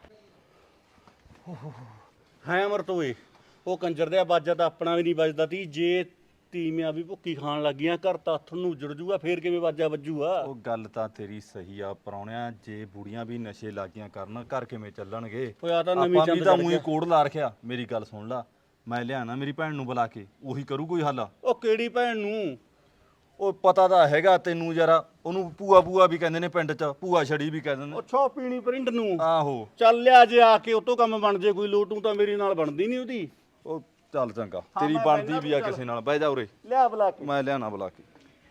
Speaker 5: ਹੈ ਅਮਰਤ ਓਏ, ਉਹ ਕੰਜਰ ਦੇ ਬਾਜਾ ਤਾਂ ਆਪਣਾ ਵੀ ਨਹੀਂ ਵੱਜਦਾ ਤੀ। ਜੇ ਤੀਵੀਆਂ ਵੀ ਭੁੱਕੀ ਖਾਣ ਲੱਗੀਆਂ ਘਰ ਤਾਂ ਹੱਥ ਨੂੰ ਉਜੜ ਜੂਗਾ, ਫੇਰ ਕਿਵੇਂ ਬਾਜਾ ਵੱਜੂਗਾ?
Speaker 4: ਉਹ ਗੱਲ ਤਾਂ ਤੇਰੀ ਸਹੀ ਆ ਪਰੌਣਿਆ, ਜੇ ਬੁੜੀਆਂ ਵੀ ਨਸ਼ੇ ਲੱਗੀਆਂ ਕਰਨ ਘਰ ਕਿਵੇਂ ਚੱਲਣਗੇ?
Speaker 5: ਓਏ ਆ ਤਾਂ ਨਵੀਂ
Speaker 4: ਆਪਾਂ ਵੀ
Speaker 5: ਚੰਦ
Speaker 4: ਤਾਂ
Speaker 5: ਚੜ੍ਹ
Speaker 4: ਮੂੰਹ
Speaker 5: ਗਿਆ।
Speaker 4: ਕੋੜ ਲਾ ਰੱਖਿਆ। ਮੇਰੀ ਗੱਲ ਸੁਣ ਲਾ, ਮੈਂ ਲਿਆਣਾ ਮੇਰੀ ਭੈਣ ਨੂੰ ਬੁਲਾ ਕੇ, ਉਹੀ ਕਰੂ ਕੋਈ ਹੱਲ।
Speaker 5: ਉਹ ਕਿਹੜੀ ਭੈਣ ਨੂੰ?
Speaker 4: ਉਹ ਪਤਾ ਤਾਂ ਹੈਗਾ ਤੈਨੂੰ ਯਾਰਾ, ਉਹਨੂੰ ਭੂਆ ਭੂਆ ਵੀ ਕਹਿੰਦੇ ਨੇ ਪਿੰਡ 'ਚ, ਭੂਆ ਛੜੀ ਵੀ ਕਹਿੰਦੇ ਨੇ।
Speaker 5: ਉਹ ਛੋ ਪੀਣੀ ਪ੍ਰਿੰਡ ਨੂੰ।
Speaker 4: ਆਹੋ
Speaker 5: ਚੱਲ ਲਿਆ ਜੇ ਆ ਕੇ ਉਤੋਂ ਕੰਮ ਬਣ ਜੇ ਕੋਈ ਲੋਟੂ ਤਾਂ ਮੇਰੀ ਨਾਲ ਬਣਦੀ ਨਹੀਂ ਉਹਦੀ।
Speaker 4: ਉਹ ਚੱਲ ਚੰਗਾ,
Speaker 5: ਹਾਂ,
Speaker 4: ਤੇਰੀ
Speaker 5: ਮੈਂ
Speaker 4: ਬਣਦੀ
Speaker 5: ਬਹਿਨਾ
Speaker 4: ਵੀ ਆ
Speaker 5: ਤੂੰ
Speaker 4: ਕਿਸੇ ਨਾਲ। ਬਹਿ ਜਾ ਉਰੇ,
Speaker 5: ਲਿਆ ਬੁਲਾ ਕੇ।
Speaker 4: ਮੈਂ ਲਿਆਣਾ ਬੁਲਾ ਕੇ।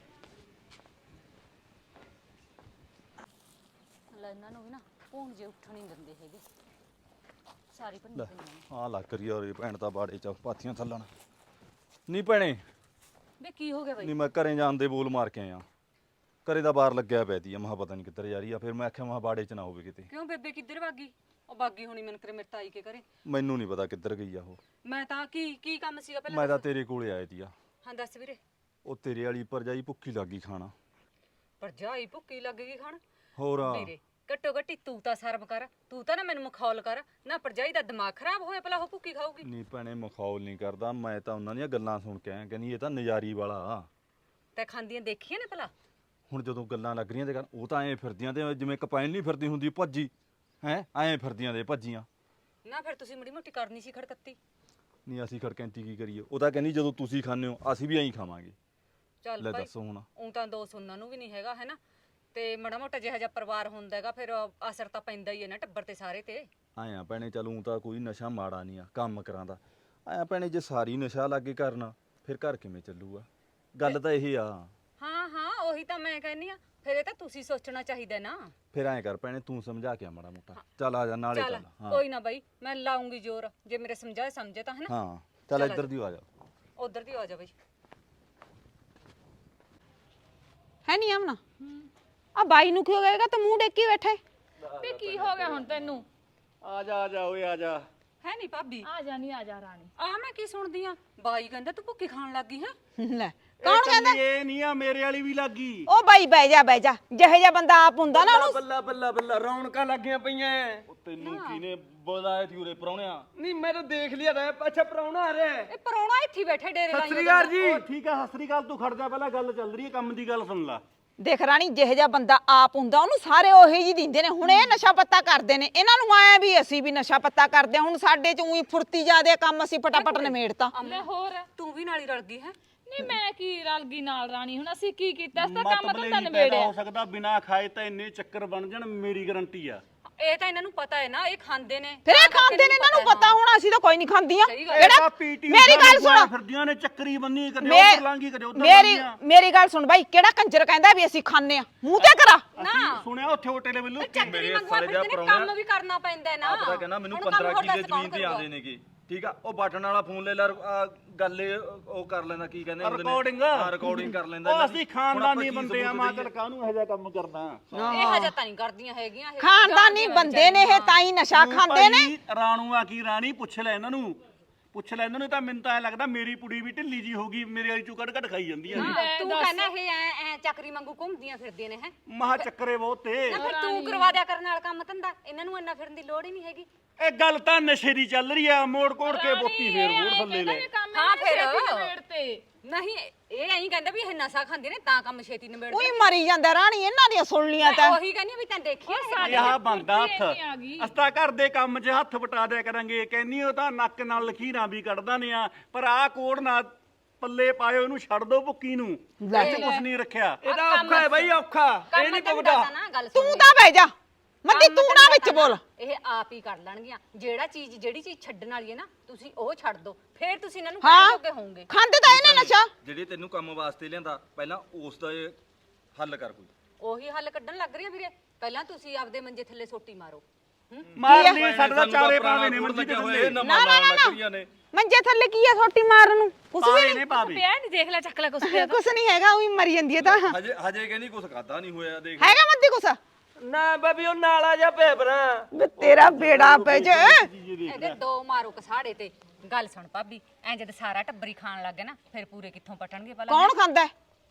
Speaker 6: ਲੈ ਇਹਨਾਂ ਨੂੰ ਵੀ ਨਾ ਭੂਣ ਜੇ ਉੱਠਣ ਨਹੀਂ ਦਿੰਦੇ ਹੈਗੇ, ਸਾਰੀ ਭੰਨੀ
Speaker 4: ਲੈ
Speaker 6: ਪਈਆਂ
Speaker 4: ਆ ਲੱਗ ਰਹੀ ਆ ਉਰੇ ਭੈਣ ਤਾਂ ਬਾੜੇ 'ਚ ਪਾਥੀਆਂ ਥੱਲਣ। ਨਹੀਂ ਭੈਣੇ,
Speaker 6: ਵੇ ਕੀ ਹੋ ਗਿਆ ਬਾਈ?
Speaker 4: ਨਹੀਂ ਮੈਂ ਘਰੇ ਜਾਣ ਦੇ ਬੋਲ ਮਾਰ ਕੇ ਆਇਆ। ਘਰੇ ਦਾ ਬਾਹਰ ਲੱਗਿਆ ਪੈ ਤੀ ਆ, ਮਹਾ ਪਤਾ ਨਹੀਂ ਕਿੱਧਰ ਜਾ ਰਹੀ ਆ। ਫਿਰ ਮੈਂ ਆਖਿਆ ਮਹਾ ਬਾੜੇ 'ਚ ਨਾ ਹੋਵੇ ਕਿਤੇ।
Speaker 6: ਕਿਉਂ ਬੇਬੇ ਕਿੱਧਰ ਭਾਗੀ? ਉਹ ਬਾਗੀ ਹੋਣੀ ਮਨ ਕਰੇ ਮੇਰੇ ਤਾਈ ਕੇ ਘਰੇ।
Speaker 4: ਮੈਨੂੰ ਨਹੀਂ ਪਤਾ ਕਿੱਧਰ ਗਈ ਆ ਉਹ।
Speaker 6: ਮੈਂ ਤਾਂ ਕੀ ਕੀ ਕੰਮ ਸੀਗਾ ਪਹਿਲਾਂ?
Speaker 4: ਮੈਂ ਤਾਂ ਤੇਰੇ ਕੋਲੇ ਆਏ ਤੀ ਆ।
Speaker 6: ਹਾਂ ਦੱਸ ਵੀਰੇ।
Speaker 4: ਉਹ ਤੇਰੇ ਵਾਲੀ ਭਰਜਾਈ ਭੁੱਖੀ ਲੱਗੀ ਖਾਣਾ।
Speaker 6: ਭਰਜਾਈ ਭੁੱਕੀ ਲੱਗ ਗਈ ਖਾਣ?
Speaker 4: ਹੋਰ
Speaker 6: ਵੀਰੇ ਘੱਟੋ ਘੱਟੀ ਤੂੰ ਤਾਂ ਸ਼ਰਮ ਕਰ, ਤੂੰ ਤਾਂ ਨਾ ਮੈਨੂੰ ਮਖੌਲ ਕਰ ਨਾ। ਭਰਜਾਈ ਦਾ ਦਿਮਾਗ ਖਰਾਬ ਹੋਇਆ ਭਲਾ ਉਹ ਭੁੱਕੀ ਖਾਊਗੀ?
Speaker 4: ਨਹੀਂ ਭੈਣੇ ਮਖੌਲ ਨਹੀਂ ਕਰਦਾ, ਮੈਂ ਤਾਂ ਉਹਨਾਂ ਦੀਆਂ ਗੱਲਾਂ ਸੁਣ ਕੇ ਆਇਆ। ਕਹਿੰਦੀ ਇਹ ਤਾਂ ਨਜ਼ਾਰੀ ਵਾਲਾ ਆ।
Speaker 6: ਤੇ ਖਾਂਦੀਆਂ ਦੇਖੀਆਂ ਨੇ ਭਲਾ?
Speaker 4: ਹੁਣ ਜਦੋਂ ਗੱਲਾਂ ਲੱਗ ਰਹੀਆਂ ਤੇ ਗੱਲ, ਉਹ ਤਾਂ ਐਂ ਫਿਰਦੀਆਂ ਤੇ ਜਿਵੇਂ ਕਪਾਇਨ ਨਹੀਂ ਫਿਰਦੀ ਹੁੰਦੀ ਭੱਜੀ, ਹੈ ਐਂ ਫਿਰਦੀਆਂ ਦੇ ਭੱਜੀਆਂ।
Speaker 6: ਨਾ ਫਿਰ ਤੁਸੀਂ ਮੜੀ ਮੋਟੀ ਕਰਨੀ ਸੀ ਖੜਕੱਤੀ।
Speaker 4: ਨਹੀਂ ਅਸੀਂ ਖੜਕੈਂਤੀ ਕੀ ਕਰੀਏ? ਉਹ ਤਾਂ ਕਹਿੰਦੀ ਜਦੋਂ ਤੁਸੀਂ ਖਾਂਦੇ ਹੋ ਅਸੀਂ ਵੀ ਐਂ ਖਾਵਾਂਗੇ।
Speaker 6: ਚੱਲ
Speaker 4: ਲੈ
Speaker 6: ਭਾਈ
Speaker 4: ਦੱਸੋ ਹੁਣ।
Speaker 6: ਉਹ ਤਾਂ ਦੋ ਸੁਣਨ ਨੂੰ ਵੀ ਨਹੀਂ ਹੈਗਾ ਹੈ ਨਾ, ਤੇ ਮੜਾ ਮੋਟਾ ਜਿਹਾ ਜਿਹਾ ਪਰਿਵਾਰ ਹੁੰਦਾ ਹੈਗਾ ਫਿਰ ਅਸਰ ਤਾਂ ਪੈਂਦਾ ਹੀ ਹੈ ਨਾ ਟੱਬਰ ਤੇ ਸਾਰੇ ਤੇ।
Speaker 4: ਆਇਆ ਭੈਣੇ ਚੱਲ ਊਂ ਤਾਂ ਕੋਈ ਨਸ਼ਾ ਮਾੜਾ ਨਹੀਂ ਆ ਕੰਮ ਕਰਾਂਦਾ। ਆਇਆ ਭੈਣੇ ਜੇ ਸਾਰੀ ਨਸ਼ਾ ਲੱਗੇ ਕਰਨਾ ਫਿਰ ਘਰ ਕਿਵੇਂ ਚੱਲੂਗਾ? ਗੱਲ ਤਾਂ ਇਹ ਆ।
Speaker 6: ਹਾਂ ਹਾਂ ਉਹੀ ਤਾਂ ਮੈਂ ਕਹਿੰਨੀ ਆ, ਫਿਰ ਇਹ ਤਾਂ ਤੁਸੀਂ ਸੋਚਣਾ ਚਾਹੀਦਾ ਨਾ।
Speaker 4: ਫਿਰ ਐਂ ਕਰ ਭੈਣੇ ਤੂੰ ਸਮਝਾ ਕੇ ਆ ਮਾੜਾ ਮੋਟਾ। ਚੱਲ ਆ ਜਾ ਨਾਲੇ
Speaker 6: ਚੱਲ
Speaker 4: ਚੱਲ। ਹਾਂ
Speaker 6: ਕੋਈ ਨਾ ਬਾਈ, ਮੈਂ ਲਾਉਂਗੀ ਜ਼ੋਰ, ਜੇ ਮੇਰੇ ਸਮਝਾਏ ਸਮਝੇ ਤਾਂ ਹੈ ਨਾ।
Speaker 4: ਹਾਂ ਚੱਲ
Speaker 6: ਚੱਲ ਆ
Speaker 4: ਇੱਧਰ ਦੀ ਆ ਜਾ।
Speaker 6: ਉਧਰ ਦੀ ਆ ਜਾ ਬਾਈ।
Speaker 2: ਹੈ ਨਹੀਂ ਆਮਨਾ ਆ ਬਾਈ ਨੂੰ ਕੀ ਹੋ ਗਿਆ ਤਾਂ ਮੂੰਹ ਡੇਕੀ ਬੈਠੇ?
Speaker 3: ਵੇ ਕੀ ਹੋ ਗਿਆ ਹੁਣ ਤੈਨੂੰ?
Speaker 5: ਆ ਜਾ ਆ ਜਾ ਓਏ ਆ ਜਾ।
Speaker 6: ਹੈ ਨਹੀਂ ਭਾਬੀ?
Speaker 3: ਆ ਜਾ ਨਹੀਂ ਆ ਜਾ ਰਾਣੀ।
Speaker 6: ਆ ਮੈਂ ਕੀ ਸੁਣਦੀ ਆ? ਬਾਈ ਕਹਿੰਦਾ ਤੂੰ ਭੁੱਖੀ ਖਾਣ ਲੱਗੀ ਹੈ।
Speaker 2: ਲੈ
Speaker 5: ਕੌਣ ਕਹਿੰਦਾ? ਇਹ ਨਹੀਂ ਆ ਮੇਰੇ ਵਾਲੀ ਵੀ ਲੱਗੀ।
Speaker 2: ਉਹ ਬਾਈ ਬਹਿ ਜਾ ਬਹਿ ਜਾ, ਜਿਹੇ ਜਿਹਾ ਬੰਦਾ ਆਪ ਹੁੰਦਾ ਨਾ ਉਹਨੂੰ।
Speaker 1: ਬੱਲਾ ਬੱਲਾ ਬੱਲਾ ਰੌਣਕਾਂ ਲੱਗੀਆਂ ਪਈਆਂ।
Speaker 4: ਉਹ ਤੈਨੂੰ ਕਿਹਨੇ ਬੁਲਾਇਆ ਤੀ ਉਰੇ ਪ੍ਰਾਹੁਣਿਆ?
Speaker 1: ਨਹੀਂ ਮੈਂ ਤਾਂ ਦੇਖ ਲਿਆ ਤਾ। ਅੱਛਾ ਪ੍ਰਾਹੁਣਾ ਆ ਰਿਹਾ।
Speaker 6: ਇਹ ਪਰੌਣਾ ਇੱਥੇ ਹੀ ਬੈਠੇ ਡੇਰੇ
Speaker 1: ਸਤਿ ਸ੍ਰੀ
Speaker 6: ਲਾਈਆਂ
Speaker 1: ਅਕਾਲ ਜੀ।
Speaker 5: ਉਹ ਠੀਕ ਆ, ਸਤਿ ਸ੍ਰੀ ਅਕਾਲ। ਤੂੰ ਖੜ ਜਾ, ਪਹਿਲਾਂ ਗੱਲ ਚੱਲ ਰਹੀ ਹੈ, ਕੰਮ ਦੀ ਗੱਲ ਸੁਣ ਲੈ।
Speaker 2: ਦੇਖ ਰਾਣੀ, ਜਿਹੇ ਜਿਹਾ ਬੰਦਾ ਆਪ ਹੁੰਦਾ ਉਹਨੂੰ ਸਾਰੇ ਉਹੀ ਜੀ ਦਿੰਦੇ ਨੇ। ਹੁਣ ਇਹ ਨਸ਼ਾ ਪੱਤਾ ਕਰਦੇ ਨੇ, ਇਹਨਾਂ ਨੂੰ ਆਇਆ ਵੀ ਅਸੀਂ ਵੀ ਨਸ਼ਾ ਪੱਤਾ ਕਰਦੇ ਹਾਂ। ਹੁਣ ਸਾਡੇ ਚ ਉਹੀ ਫੁਰਤੀ ਜਾਦੇ ਕੰਮ ਅਸੀਂ ਫਟਾਫਟ ਨਿਮੇੜਤਾ।
Speaker 3: ਲੈ ਹੋਰ
Speaker 6: ਤੂੰ ਵੀ ਨਾਲ ਹੀ ਰਲ ਗਈ ਹੈ।
Speaker 3: ਨਹੀਂ ਮੈਂ ਕੀ ਰਲ ਗਈ ਨਾਲ ਰਾਣੀ? ਹੁਣ ਅਸੀਂ ਕੀ ਕੀਤਾ? ਅਸੀਂ ਤਾਂ ਕੰਮ
Speaker 5: ਮਤਲਬ
Speaker 3: ਧੰਦਾ
Speaker 5: ਨਹੀਂ ਪੈਦਾ
Speaker 3: ਨਿਬੇੜਿਆ।
Speaker 5: ਹੋ ਸਕਦਾ ਬਿਨਾ ਖਾਏ ਤਾਂ ਇੰਨੇ ਚੱਕਰ ਬਣ ਜਾਣ, ਮੇਰੀ ਗਾਰੰਟੀ ਆ।
Speaker 6: ਇਹ ਤਾਂ ਇਹਨਾਂ ਨੂੰ ਪਤਾ ਹੈ ਨਾ, ਇਹ ਖਾਂਦੇ ਨੇ
Speaker 2: ਫਿਰ ਇਹ
Speaker 6: ਤਾਂ ਕਰਕੇ
Speaker 2: ਖਾਂਦੇ ਨੇ, ਇਹਨਾਂ ਨੂੰ ਪਤਾ ਹੋਣਾ, ਅਸੀਂ ਤਾਂ ਕੋਈ ਨਹੀਂ ਖਾਂਦੀਆਂ।
Speaker 6: ਸਹੀ ਗੱਲ।
Speaker 2: ਕਿਹੜਾ
Speaker 5: ਪੀਟੀ
Speaker 2: ਮੇਰੀ ਗੱਲ ਸੁਣੋ,
Speaker 5: ਫਿਰਦੀਆਂ ਨੇ ਚੱਕਰੀ ਬੰਨੀ ਕਦੇ
Speaker 2: ਮੇ-
Speaker 5: ਉੱਧਰ ਲਾਂਗੀ ਕਦੇ ਉੱਧਰ
Speaker 2: ਮੇਰੀ
Speaker 5: ਲਾਂਗੀਆਂ।
Speaker 2: ਮੇਰੀ ਗੱਲ ਸੁਣ ਬਾਈ, ਕਿਹੜਾ ਕੰਜਰ ਕਹਿੰਦਾ ਵੀ ਅਸੀਂ ਖਾਂਦੇ ਆ? ਮੂੰਹ ਤੇ ਕਰਾ।
Speaker 6: ਨਾ
Speaker 5: ਸੁਣਿਆ ਉੱਥੇ ਹੋਟਲ ਵੱਲੋਂ
Speaker 6: ਚੱਕਰੀ
Speaker 4: ਮੇਰੇ
Speaker 6: ਮੰਗਵਾ
Speaker 4: ਸਾਲੇ ਦਾ
Speaker 6: ਫਿਰਦੇ ਨੇ,
Speaker 4: ਪ੍ਰਾਹੁਣਾ-
Speaker 6: ਕੰਮ ਵੀ ਕਰਨਾ ਪੈਂਦਾ ਹੈ ਨਾ।
Speaker 4: ਆਪ ਤਾਂ ਕਹਿੰਦਾ ਮੈਨੂੰ
Speaker 6: ਹੁਣ ਕੰਮ
Speaker 4: ਪੰਦਰਾਂ
Speaker 6: ਹੋਰ
Speaker 4: ਕਿੱਲੇ
Speaker 6: ਦੱਸ ਕੌਣ
Speaker 4: ਜ਼ਮੀਨ ਤੇ
Speaker 6: ਕਰੂਗਾ?
Speaker 4: ਆਉਂਦੇ ਨੇਗੇ, ਠੀਕ ਆ। ਉਹ ਬਟਨ ਵਾਲਾ ਫੋਨ ਲੈ ਲੈ, ਆਹ ਗੱਲ ਇਹ ਉਹ ਕਰ ਲੈਂਦਾ, ਕੀ ਕਹਿੰਦੇ ਹੁੰਦੇ ਨੇ,
Speaker 5: ਰਿਕਾਰਡਿੰਗ
Speaker 4: ਹਾਂ ਰਿਕਾਰਡਿੰਗ ਕਰ ਲੈਂਦਾ।
Speaker 5: ਉਹ
Speaker 4: ਇਹਨਾਂ
Speaker 5: ਅਸੀਂ
Speaker 4: ਦੀ।
Speaker 5: ਖਾਨਦਾਨੀ
Speaker 4: ਹੁਣ ਆਪਾਂ
Speaker 5: ਬੰਦੇ ਆ,
Speaker 4: ਕੀ
Speaker 5: ਮਾਂ
Speaker 4: ਸਬੂਤ
Speaker 5: ਚੱਲ ਕਾਹਨੂੰ ਇਹੋ ਜਿਹਾ ਕੰਮ ਕਰਦਾ।
Speaker 6: ਇਹ ਹਜੇ ਤਾਂ ਨਹੀਂ ਕਰਦੀਆਂ ਹੈਗੀਆਂ ਇਹ।
Speaker 2: ਖਾਨਦਾਨੀ
Speaker 6: ਜਾਣਦੀਆਂ
Speaker 2: ਬੰਦੇ ਨੇ ਇਹ, ਤਾਂ ਹੀ ਨਸ਼ਾ
Speaker 5: ਤੂੰ
Speaker 2: ਖਾਂਦੇ ਨੇ।
Speaker 5: ਭਾਈ ਰਾਣੂ ਆ ਕੀ ਰਾਣੀ, ਪੁੱਛ ਲੈ ਇਹਨਾਂ ਨੂੰ, ਪੁੱਛ ਲੈ ਇਹਨਾਂ ਨੂੰ। ਤਾਂ ਮੈਨੂੰ ਤਾਂ ਐ ਲੱਗਦਾ ਮੇਰੀ ਪੁੜੀ ਵੀ ਢਿੱਲੀ ਜੀ ਹੋ ਗਈ, ਮੇਰੇ ਵਾਲੀ ਚੋਂ ਕੱਢ ਕੱਢ ਖਾਈ ਜਾਂਦੀ ਆ
Speaker 6: ਤੂੰ ਕਹਿੰਦਾ ਇਹ ਐ ਐ ਚੱਕਰੀ ਵਾਂਗੂ ਘੁੰਮਦੀਆਂ ਫਿਰਦੀਆਂ ਨੇ ਹੈ।
Speaker 5: ਮਹਾ ਚੱਕਰੇ ਬਹੁਤ ਤੇ
Speaker 6: ਨਾ ਫਿਰ ਤੂੰ ਕਰਵਾ ਦਿਆ ਕਰਨ ਨਾਲ ਕੰਮ ਧੰਦਾ, ਇਹਨਾਂ ਨੂੰ ਇੰਨਾ ਫਿਰਨ ਦੀ ਲੋੜ ਹੀ ਨਹੀਂ ਹੈਗੀ।
Speaker 5: ਇਹ ਗੱਲ ਤਾਂ ਨਸ਼ੇ ਦੀ ਚੱਲ ਰਹੀ ਆ, ਮੋੜ ਕੋੜ ਕੇ ਬੋਤੀ ਫੇਰ ਹੋਰ ਥੱਲੇ ਲੈ।
Speaker 3: ਹਾਂ ਫਿਰ ਤੇ
Speaker 6: ਨਹੀਂ ਇਹ ਐਂ ਕਹਿੰਦਾ ਵੀ ਇਹ ਨਸ਼ਾ ਖਾਂਦੇ ਨੇ ਤਾਂ ਕੰਮ ਛੇਤੀ ਨਿਬੇੜ
Speaker 2: ਉਹੀ ਮਰੀ ਜਾਂਦਾ ਰਾਣੀ, ਇਹਨਾਂ ਦੀਆਂ ਸੁਣ ਲੀਆਂ ਤਾਂ।
Speaker 6: ਉਹੀ ਕਹਿੰਦੀ ਵੀ ਤੈਂ ਦੇਖਿਆ
Speaker 5: ਇਹ ਆਹ ਬੰਦਾ ਹੱਥ
Speaker 3: ਆ ਗਈ।
Speaker 5: ਅਸਤਾ ਘਰ ਦੇ ਕੰਮ 'ਚ ਹੱਥ ਵਟਾ ਦਿਆ ਕਰਾਂਗੇ, ਕਹਿੰਨੀ ਉਹ ਤਾਂ ਨੱਕ ਨਾਲ ਲਖੀਰਾਂ ਵੀ ਕੱਢਦਾ ਨੇ ਆ, ਪਰ ਆਹ ਕੋੜ ਨਾ ਪੱਲੇ ਪਾਇਓ, ਇਹਨੂੰ ਛੱਡ ਦੋ ਭੁੱਕੀ ਨੂੰ, ਇੱਥੇ ਕੁਛ ਨਹੀਂ ਰੱਖਿਆ।
Speaker 1: ਇਹਦਾ ਔਖਾ ਹੈ ਬਾਈ, ਔਖਾ। ਇਹ
Speaker 6: ਕੰਮ
Speaker 1: ਨਹੀਂ
Speaker 6: ਧੰਦਾ
Speaker 1: ਪੁੱਗਦਾ।
Speaker 6: ਤਾਂ ਨਾ ਗੱਲ ਸੁਣ
Speaker 2: ਤੂੰ ਤਾਂ ਬਹਿ ਜਾ ਮੱਦੀ,
Speaker 6: ਕੰਮ
Speaker 2: ਤੂੰ ਨਾ
Speaker 6: ਧੰਦਾ
Speaker 2: ਵਿੱਚ
Speaker 6: ਤਾਂ
Speaker 2: ਬੋਲ।
Speaker 6: ਇਹ ਆਪ ਹੀ ਕਰ ਲੈਣਗੀਆਂ। ਜਿਹੜਾ ਚੀਜ਼ ਜਿਹੜੀ ਚੀਜ਼ ਛੱਡਣ ਵਾਲੀ ਹੈ ਨਾ, ਤੁਸੀਂ ਉਹ ਛੱਡ ਦਿਓ, ਫਿਰ ਤੁਸੀਂ ਇਹਨਾਂ ਨੂੰ ਕਹਿ
Speaker 2: ਹਾਂ
Speaker 6: ਦੋਗੇ ਹੋਵੋਗੇ।
Speaker 2: ਖਾਂਦੇ ਤਾਂ ਇਹਨੇ ਨਸ਼ਾ।
Speaker 4: ਜਿਹੜੇ ਤੈਨੂੰ ਕੰਮ ਵਾਸਤੇ ਲਿਆਂਦਾ, ਪਹਿਲਾਂ ਉਸ ਦਾ ਇਹ ਹੱਲ ਕਰ ਕੋਈ।
Speaker 6: ਉਹੀ ਹੱਲ ਕੱਢਣ ਲੱਗ ਰਹੀ ਆ ਵੀਰੇ। ਪਹਿਲਾਂ ਤੁਸੀਂ ਆਪਦੇ ਮੰਜੇ ਥੱਲੇ ਸੋਟੀ ਮਾਰੋ।
Speaker 5: ਮਾਰ ਲਈ, ਸਾਡੇ ਤਾਂ ਚਾਰੇ ਪਾਵੇ ਨੇ ਮੰਜੀ ਤੇ ਥੱਲੇ,
Speaker 2: ਨਾ ਨਾ ਨਾ ਨਾ ਮੰਜੇ ਥੱਲੇ ਕੀ ਆ ਸੋਟੀ ਮਾਰਨ ਨੂੰ? ਕੁਛ ਵੀ
Speaker 5: ਪਾਵੇ
Speaker 2: ਨਹੀਂ,
Speaker 5: ਨੇ ਪਾਵੇ।
Speaker 3: ਪਿਆ ਨਹੀਂ, ਦੇਖ ਲੈ ਚੱਕ ਲੈ ਕੁਛ ਪਿਆ।
Speaker 2: ਕੁਛ ਨਹੀਂ ਹੈਗਾ, ਉਹੀ ਮਰੀ ਜਾਂਦੀ ਹੈ ਤਾਂ।
Speaker 4: ਹਜੇ ਹਜੇ ਕਹਿੰਦੀ ਕੁਛ ਖਾਦਾ ਨਹੀਂ ਹੋਇਆ, ਦੇਖ।
Speaker 2: ਹੈਗਾ ਮੱਦੀ ਕੁਛ?
Speaker 1: ਨਾ ਬਾਬੀ ਉਹ ਨਾਲਾ ਜਾ ਭੇਬਰਾ।
Speaker 2: ਵੇ ਤੇਰਾ ਬੇੜਾ ਪੈ ਜੇ।
Speaker 6: ਇਹਦੇ ਦੋ ਮਾਰੋ ਕਸਾੜੇ ਤੇ। ਗੱਲ ਸੁਣ ਭਾਬੀ, ਐਂ ਜਦ ਸਾਰਾ ਟੱਬਰੀ ਖਾਣ ਲੱਗ ਗਿਆ ਨਾ, ਫਿਰ ਪੂਰੇ ਕਿੱਥੋਂ ਪਟਣਗੇ ਭਲਾ?
Speaker 2: ਕੌਣ ਖਾਂਦਾ?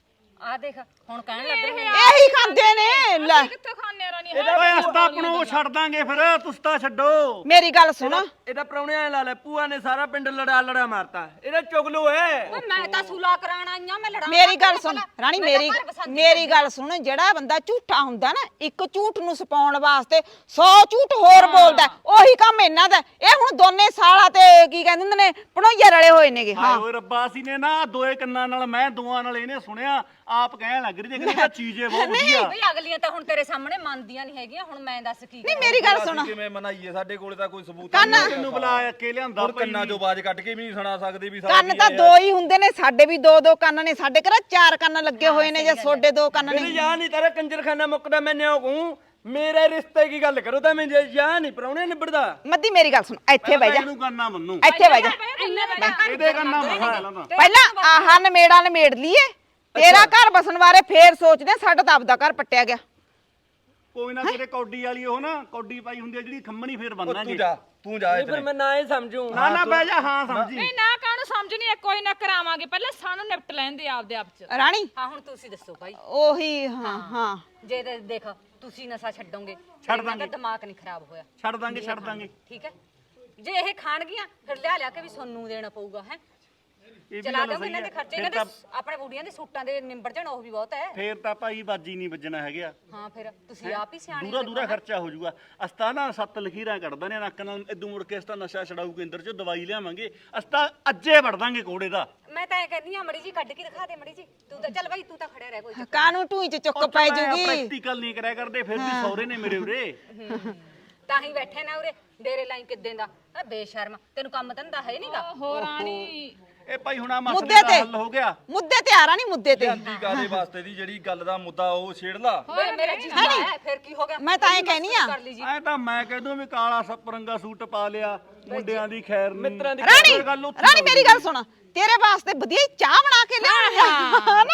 Speaker 6: ਆਹ ਦੇਖ ਹੁਣ ਕਹਿਣ ਲੱਗ ਰਹੇ ਨੇ
Speaker 2: ਇਹੀ ਖਾਂਦੇ ਨੇ। ਲੈ
Speaker 3: ਕਿੱਥੋਂ ਖਾਣੇ ਰਾਣੀ?
Speaker 5: ਓਏ ਅਸਤਾ ਆਪਣੋ ਛੱਡ ਦਾਂਗੇ ਫਿਰ, ਤੁਸੀਂ ਤਾਂ ਛੱਡੋ।
Speaker 2: ਮੇਰੀ ਗੱਲ ਸੁਣ,
Speaker 1: ਇਹਦਾ ਪ੍ਰਾਹੁਣੇ ਐ ਲਾ ਲੈ, ਭੂਆ ਨੇ ਸਾਰਾ ਪਿੰਡ ਲੜਾ ਲੜਾ ਮਾਰਤਾ। ਇਹਦਾ ਚੁਗਲੂ ਹੈ।
Speaker 6: ਓਏ ਮੈਂ ਤਾਂ ਸੁਲਾ ਕਰਾਣ ਆਈਆਂ, ਮੈਂ ਲੜਾਂ।
Speaker 2: ਮੇਰੀ ਗੱਲ ਸੁਣ ਰਾਣੀ, ਮੇਰੀ ਮੇਰੀ ਗੱਲ ਸੁਣ। ਜਿਹੜਾ ਬੰਦਾ ਝੂਠਾ ਹੁੰਦਾ ਨਾ, ਇੱਕ ਝੂਠ ਨੂੰ ਛਪਾਉਣ ਵਾਸਤੇ ਸੌ ਝੂਠ ਹੋਰ ਬੋਲਦਾ, ਉਹੀ ਕੰਮ ਇਹਨਾਂ ਦਾ। ਇਹ ਹੁਣ ਦੋਨੇ ਸਾਲਾ ਤੇ ਕੀ ਕਹਿੰਦੇ ਹੁੰਦੇ ਨੇ, ਪਣੋਈਆ ਰਲੇ ਹੋਏ ਨੇਗੇ। ਹਾਂ
Speaker 5: ਓਏ ਰੱਬਾ, ਅਸੀਂ ਨੇ ਨਾ ਦੋਏ ਕੰਨਾਂ ਨਾਲ, ਮੈਂ ਦੋਆਂ ਨਾਲ ਇਹਨੇ ਸੁਣਿਆ, ਆਪ ਕਹਿਣ ਲੱਗ ਰਹੀ ਤੇ ਕਹਿੰਦੀ ਚੀਜ਼ੇ ਬਹੁਤ ਵਧੀਆ।
Speaker 6: ਬਈ ਅਗਲੀਆਂ ਤਾਂ ਹੁਣ ਤੇਰੇ ਸਾਹਮਣੇ ਮੰਨਦੀਆਂ ਨਹੀਂ ਹੈਗੀਆਂ। ਹੁਣ ਮੈਂ ਦੱਸ ਕੀ
Speaker 2: ਨਹੀਂ ਮੇਰੀ ਗੱਲ ਸੁਣ,
Speaker 4: ਕਿਵੇਂ ਮਨਾਈਏ, ਸਾਡੇ ਕੋਲੇ ਤਾਂ ਕੋਈ ਸਬੂਤ
Speaker 2: ਕੰਨ-
Speaker 4: ਨਹੀਂ।
Speaker 5: ਤੈਨੂੰ ਬੁਲਾ ਕੇ ਲਿਆਂਦਾ
Speaker 4: ਹੋਰ
Speaker 5: ਭਾਈ।
Speaker 4: ਕੰਨਾਂ ਚੋਂ ਆਵਾਜ਼ ਕੱਢ ਕੇ ਵੀ ਨਹੀਂ ਸੁਣਾ ਸਕਦੇ ਵੀ ਸਾਡਾ
Speaker 2: ਕੰਨ
Speaker 4: ਕੀ
Speaker 2: ਤਾਂ
Speaker 4: ਹੈ।
Speaker 2: ਦੋ ਹੀ ਹੁੰਦੇ ਨੇ, ਸਾਡੇ ਵੀ ਦੋ ਦੋ ਕੰਨ ਨੇ। ਸਾਡੇ ਘਰ ਚਾਰ ਕੰਨ ਲੱਗੇ ਹੋਏ ਨੇ, ਜੇ ਤੁਹਾਡੇ ਦੋ ਕੰਨ
Speaker 1: ਮੇਰੇ
Speaker 2: ਨੇ।
Speaker 1: ਯਾ ਨਹੀਂ ਤੇਰਾ ਕੰਜਰਖਾਨਾ ਮੁੱਕਦਾ, ਮੈਂ ਨਿਓ ਕਹੂੰ ਮੇਰੇ ਰਿਸ਼ਤੇ ਕੀ ਗੱਲ ਕਰੋ ਤਾਂ ਮੈਂ ਜੇ ਯਾ ਨਹੀਂ ਪ੍ਰਾਹੁਣੇ ਨਿਬੜਦਾ।
Speaker 2: ਮੱਦੀ ਮੇਰੀ ਗੱਲ ਸੁਣ, ਇੱਥੇ ਬਹਿ ਜਾ,
Speaker 5: ਇਹਨੂੰ ਕੰਨਾਂ ਮੰਨੂ,
Speaker 2: ਇੱਥੇ ਬਹਿ ਜਾ।
Speaker 5: ਇਹਦੇ ਕੰਨਾਂ ਮਹਾ ਲਾਂਦਾ।
Speaker 2: ਪਹਿਲਾਂ ਆਹ ਨਮੇੜਾ ਨਮੇੜ ਲਈਏ, ਤੇਰਾ ਘਰ ਬਸਣ ਬਾਰੇ ਫੇਰ ਸੋਚਦੇ ਆ। ਸਾਡਾ ਤਾਂ ਆਪਦਾ ਘਰ ਪੱਟਿਆ ਗਿਆ।
Speaker 5: ਕੋਈ ਨਾ, ਤੇਰੇ ਕੌਡੀ ਵਾਲੀ ਉਹ ਨਾ ਕੌਡੀ ਪਾਈ ਹੁੰਦੀ ਆ ਜਿਹੜੀ ਖੰਮਣੀ, ਫੇਰ
Speaker 4: ਉਹ
Speaker 5: ਬੰਨਾਂਗੇ।
Speaker 4: ਤੂੰ ਜਾ, ਤੂੰ ਜਾ
Speaker 1: ਨਹੀਂ ਫਿਰ
Speaker 4: ਇੱਥੇ।
Speaker 1: ਮੈਂ ਨਾ ਹੀ ਸਮਝੂ।
Speaker 5: ਨਾ ਨਾ ਬਹਿ ਜਾ, ਹਾਂ ਸਮਝੀ।
Speaker 3: ਨਹੀਂ ਨਾ ਕਾਹਨੂੰ ਸਮਝਣੀ ਹੈ, ਕੋਈ ਨਾ ਕਰਾਵਾਂਗੇ। ਪਹਿਲਾਂ ਸਾਨੂੰ ਨਿਪਟ ਲੈਂਦੇ ਆਪਦੇ ਆਪ ਚ।
Speaker 2: ਰਾਣੀ
Speaker 6: ਹਾਂ ਹੁਣ ਤੁਸੀਂ ਦੱਸੋ ਭਾਈ।
Speaker 2: ਉਹੀ ਹਾਂ ਹਾਂ
Speaker 6: ਜੇ ਤੇ ਦੇਖ ਤੁਸੀਂ ਨਸ਼ਾ ਛੱਡੋਗੇ,
Speaker 5: ਛੱਡ
Speaker 6: ਇਹਨਾਂ ਦਾ
Speaker 5: ਦਾਂਗੇ।
Speaker 6: ਦਿਮਾਗ ਨਹੀਂ ਖਰਾਬ ਹੋਇਆ।
Speaker 5: ਛੱਡ ਦਾਂਗੇ, ਛੱਡ ਦਾਂਗੇ।
Speaker 6: ਠੀਕ ਹੈ, ਜੇ ਇਹ ਖਾਣਗੀਆਂ ਫਿਰ ਲਿਆ ਲਿਆ ਕੇ ਵੀ ਸੋਨੂੰ ਦੇਣਾ ਪਊਗਾ ਹੈ।
Speaker 5: ਇਹ ਵੀ
Speaker 6: ਚਲਾ
Speaker 5: ਗੱਲ
Speaker 6: ਦੋਗੇ
Speaker 5: ਸਹੀ
Speaker 6: ਇਹਨਾਂ ਦੇ
Speaker 5: ਹੈ।
Speaker 6: ਖਰਚੇ,
Speaker 5: ਫਿਰ
Speaker 6: ਇਹਨਾਂ
Speaker 5: ਤਾਂ
Speaker 6: ਦੇ ਆਪਣੇ ਬੁੜੀਆਂ ਦੇ ਸੂਟਾਂ ਦੇ ਨਿੰਬੜ ਜਾਣ, ਉਹ ਵੀ ਬਹੁਤ ਹੈ।
Speaker 5: ਫੇਰ ਤਾਂ ਭਾਈ ਬਾਜੀ ਨਹੀਂ ਵੱਜਣਾ ਹੈਗਾ।
Speaker 6: ਹਾਂ ਫਿਰ ਤੁਸੀਂ ਆਪ ਹੀ ਸਿਆਣੇ
Speaker 5: ਦੂਰਾ ਦੂਰਾ ਖਰਚਾ ਹੋ ਜਾਊਗਾ। ਅਸਤਾ ਨਾ ਸੱਤ ਲਖੀਰਾਂ ਕੱਢਦਾ ਨੇ ਨੱਕ ਨਾਲ, ਇਦੋਂ ਮੁੜ ਕੇ ਅਸਤਾ ਨਸ਼ਾ ਛਡਾਊ ਕੇਂਦਰ ਚੋਂ ਦਵਾਈ ਲਿਆਵਾਂਗੇ। ਅਸਤਾ ਅੱਜੇ ਵੜ ਦਾਂਗੇ ਕੋੜੇ ਦਾ।
Speaker 6: ਮੈਂ ਤਾਂ ਇਹ ਕਹਿੰਦੀ ਆ, ਮੜੀ ਜੀ ਕੱਢ ਕੇ ਦਿਖਾ ਦੇ ਮੜੀ ਜੀ। ਤੂੰ ਤਾਂ ਚੱਲ ਬਾਈ, ਤੂੰ ਤਾਂ ਖੜਿਆ ਰਹਿ ਕੋਈ ਚੱਕਰ
Speaker 2: ਕਾਨੂੰ ਟੂਈ ਚ ਚੁੱਕ ਪੈ ਜੂਗੀ।
Speaker 5: ਪ੍ਰੈਕਟੀਕਲ ਨਹੀਂ ਕਰਿਆ ਕਰਦੇ, ਫਿਰ ਵੀ ਸੌਰੇ ਨੇ ਮੇਰੇ ਉਰੇ।
Speaker 6: ਨਹੀਂ। ਤਾਂ ਹੀ ਬੈਠੇ ਨਾ ਉਰੇ ਡੇਰੇ ਲਾਈ ਕਿੱਦਾਂ ਦਾ ਆ ਬੇਸ਼ਰਮ। ਤੈਨੂੰ ਕੰਮ ਧੰਦਾ ਹੈ ਨਹੀਂਗਾ।
Speaker 3: ਹੋ ਰਾਣੀ
Speaker 5: ਇਹ ਭਾਈ ਹੁਣ ਆ ਮਸਲੇ
Speaker 2: ਮੁੱਦੇ
Speaker 5: ਦਾ
Speaker 2: ਤੇ
Speaker 5: ਹੱਲ ਹੋ ਗਿਆ।
Speaker 2: ਮੁੱਦੇ ਤੇ ਆ ਰਾਣੀ, ਮੁੱਦੇ ਤੇ।
Speaker 4: ਜਾਂਦੀ ਕਾਦੇ ਵਾਸਤੇ ਦੀ ਜਿਹੜੀ ਗੱਲ ਦਾ ਮੁੱਦਾ ਉਹ ਛੇੜ ਲਾ।
Speaker 6: ਵੇ ਮੇਰਾ ਜੀਜਾ ਹੈ, ਫਿਰ ਕੀ ਹੋ ਗਿਆ?
Speaker 2: ਮੈਂ ਤਾਂ ਐਂ ਕਹਿਨੀ ਆ।
Speaker 6: ਕਰ ਲਈ ਜੀ।
Speaker 5: ਐ ਤਾਂ ਮੈਂ ਕਹਿ ਦੂੰ ਵੀ ਕਾਲਾ ਸਪਰੰਗਾ ਸੂਟ ਪਾ ਲਿਆ, ਮੁੰਡਿਆਂ ਦੀ ਖੈਰ ਨਹੀਂ।
Speaker 1: ਮਿੱਤਰਾਂ ਦੀ
Speaker 2: ਰਾਣੀ
Speaker 5: ਇਹ ਗੱਲ ਉੱਥੇ
Speaker 2: ਰਾਣੀ ਮੇਰੀ ਗੱਲ ਸੁਣ, ਤੇਰੇ ਵਾਸਤੇ ਵਧੀਆ ਹੀ ਚਾਹ ਬਣਾ ਕੇ ਲਿਆਉਣੀ ਆ ਨਾ।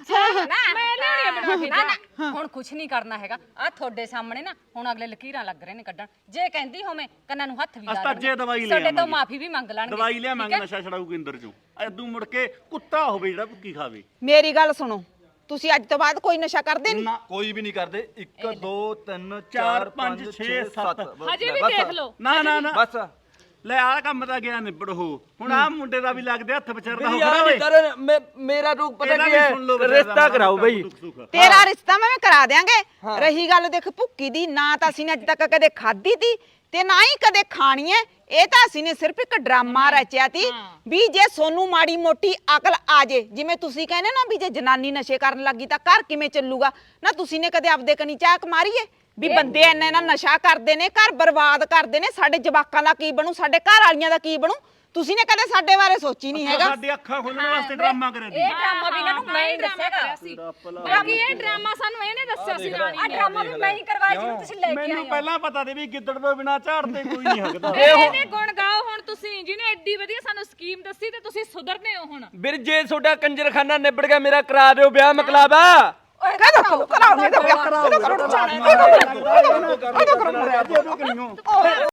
Speaker 6: ਨਾ ਮੈਂ ਲੈਣੀ ਬਣਾ ਕੇ। ਨਾ ਨਾ ਹੁਣ ਕੁਝ ਨਹੀਂ ਕਰਨਾ ਹੈਗਾ। ਆ ਤੁਹਾਡੇ ਸਾਹਮਣੇ ਨਾ ਹੁਣ ਅਗਲੇ ਲਕੀਰਾਂ ਲੱਗ ਰਹੇ ਨੇ ਕੱਢਣ। ਜੇ ਕਹਿੰਦੀ ਹੋਵੇਂ ਕੰਨਾਂ ਨੂੰ ਹੱਥ ਵੀ ਲਾ
Speaker 5: ਅਸਤਾ
Speaker 6: ਲੈਣਗੇ।
Speaker 5: ਜੇ ਦਵਾਈ ਲੈ
Speaker 6: ਤੁਹਾਡੇ ਤੋਂ
Speaker 5: ਆਵਾਂਗੇ।
Speaker 6: ਮਾਫੀ ਵੀ ਮੰਗ ਲੈਣਗੇ।
Speaker 5: ਦਵਾਈ ਲਿਆਵਾਂਗੇ
Speaker 6: ਠੀਕ ਹੈ?
Speaker 5: ਨਸ਼ਾ ਛਡਾਊ ਕੇਂਦਰ ਚੋਂ। ਐਦੂ ਮੁੜ ਕੇ ਕੁੱਤਾ ਹੋਵੇ ਜਿਹੜਾ ਭੁੱਕੀ ਖਾਵੇ।
Speaker 2: ਮੇਰੀ ਗੱਲ ਸੁਣੋ, ਤੁਸੀਂ ਅੱਜ ਤੋਂ ਬਾਅਦ ਕੋਈ ਨਸ਼ਾ ਕਰਦੇ ਨਹੀਂ?
Speaker 5: ਨਾ
Speaker 4: ਕੋਈ ਵੀ ਨਹੀਂ ਕਰਦੇ। ਇੱਕ ਦੋ ਤਿੰਨ
Speaker 5: ਚਾਰ,
Speaker 4: ਚਾਰ
Speaker 5: ਪੰਜ,
Speaker 4: ਪੰਜ
Speaker 5: ਛੇ,
Speaker 4: ਛੇ
Speaker 5: ਸੱਤ।
Speaker 4: ਸੱਤ।
Speaker 3: ਹਜੇ ਵੀ
Speaker 4: ਬਸ।
Speaker 3: ਦੇਖ ਲਓ।
Speaker 5: ਨਾ ਨਾ ਨਾ
Speaker 4: ਬਸ
Speaker 5: ਲੈ ਆ ਕੰਮ ਤਾਂ ਗਿਆ ਨਿਬੜ ਹੋ। ਹੁਣ ਆ ਮੁੰਡੇ ਦਾ ਵੀ ਲੱਗਦੇ ਹੱਥ ਵਿਚਰਦਾ ਹੋ
Speaker 1: ਮੇਰੀ ਯਾ
Speaker 5: ਖੜਾ
Speaker 1: ਨਹੀਂ
Speaker 5: ਓਏ।
Speaker 1: ਤੇਰਾ ਮੈਂ ਮੇਰਾ ਰੂਪ ਪਤਾ
Speaker 5: ਇਹਦਾ
Speaker 1: ਕੀ
Speaker 5: ਵੀ
Speaker 1: ਹੈ,
Speaker 5: ਸੁਣ ਲਓ ਵਿਚਾਰਾ
Speaker 1: ਰਿਸ਼ਤਾ ਕਰਾਓ ਬਈ।
Speaker 5: ਦੁੱਖ ਸੁੱਖ।
Speaker 2: ਤੇਰਾ ਰਿਸ਼ਤਾ ਮੈਂ ਕਰਾ ਦਿਆਂਗੇ। ਰਹੀ ਗੱਲ ਦੇਖ ਭੁੱਕੀ ਦੀ, ਨਾ ਤਾਂ ਅਸੀਂ ਨੇ ਅੱਜ ਤੱਕ ਕਦੇ ਖਾਧੀ ਤੀ ਤੇ ਨਾ ਹੀ ਕਦੇ ਖਾਣੀ ਐ। ਇਹ ਤਾਂ ਅਸੀਂ ਨੇ ਸਿਰਫ ਇੱਕ ਡਰਾਮਾ ਰਚਿਆ ਤੀ ਵੀ ਜੇ ਸੋਨੂੰ ਮਾੜੀ ਮੋਟੀ ਅਕਲ ਆ ਜੇ, ਜਿਵੇਂ ਤੁਸੀਂ ਕਹਿੰਦੇ ਨਾ ਵੀ ਜੇ ਜਨਾਨੀ ਨਸ਼ੇ ਕਰਨ ਲੱਗੀ ਤਾਂ ਘਰ ਕਿਵੇਂ ਚੱਲੂਗਾ। ਨਾ ਤੁਸੀਂ ਨੇ ਕਦੇ ਆਪਦੇ ਕਨੀ ਝਾਕ ਮਾਰੀਏ? ਵੀ ਬੰਦੇ ਇੰਨਾ ਇੰਨਾ ਨਸ਼ਾ ਕਰਦੇ ਨੇ, ਘਰ ਬਰਬਾਦ ਕਰਦੇ ਨੇ, ਸਾਡੇ ਜਵਾਕਾਂ ਦਾ ਕੀ ਬਣੂ, ਸਾਡੇ ਘਰ ਵਾਲੀਆਂ ਦਾ ਕੀ ਬਣੂ। ਤੁਸੀਂ ਨੇ ਕਦੇ ਸਾਡੇ ਬਾਰੇ ਸੋਚੀ ਨਹੀਂ ਹੈਗਾ।
Speaker 5: ਸਾਡੇ ਅੱਖਾਂ ਖੋਲਣ ਵਾਸਤੇ ਡਰਾਮਾ ਕਰਿਆ ਸੀ।
Speaker 6: ਇਹ ਡਰਾਮਾ ਵੀ ਇਹਨਾਂ ਨੂੰ ਮੈਂ ਹੀ
Speaker 3: ਡਰਾਮਾ
Speaker 6: ਦੱਸਿਆਗਾ।
Speaker 3: ਕਰਿਆ ਸੀ ਬਾਕੀ ਇਹ ਡਰਾਮਾ ਸਾਨੂੰ ਇਹਨੇ ਦੱਸਿਆ ਸੀ ਰਾਣੀ
Speaker 6: ਆ
Speaker 3: ਨੇ
Speaker 6: ਡਰਾਮਾ ਵੀ ਮੈਂ ਹੀ ਕਰਵਾਇਆ ਜਿਹਨੂੰ ਤੁਸੀਂ ਲੈ ਕੇ ਆਏ
Speaker 5: ਮੈਨੂੰ
Speaker 6: ਹੋ।
Speaker 5: ਪਹਿਲਾਂ ਪਤਾ ਸੀ ਵੀ ਗਿੱਦੜ ਤੋਂ ਬਿਨਾ ਝਾੜਦੇ ਕੋਈ ਨਹੀਂ ਹੱਕਦਾ।
Speaker 3: ਇਹਨੇ ਗੁਣ ਗਾਓ ਹੁਣ ਤੁਸੀਂ, ਜਿਹਨੇ ਐਡੀ ਵਧੀਆ ਸਾਨੂੰ ਸਕੀਮ ਦੱਸੀ ਤੇ ਤੁਸੀਂ ਸੁਧਰਨੇ ਹੋ ਹੁਣ।
Speaker 1: ਵੀਰ ਜੇ ਤੁਹਾਡਾ ਕੰਜਰਖਾਨਾ ਨਿਬੜ ਗਿਆ ਮੇਰਾ ਕਰਾ ਦਿਓ ਵਿਆਹ ਮਕਲਾਬਾ।
Speaker 2: ਕਹਦਾ ਕਰਾਓ ਨਹੀਂ ਤਾਂ ਵਿਆਹ ਕਰਾਓ।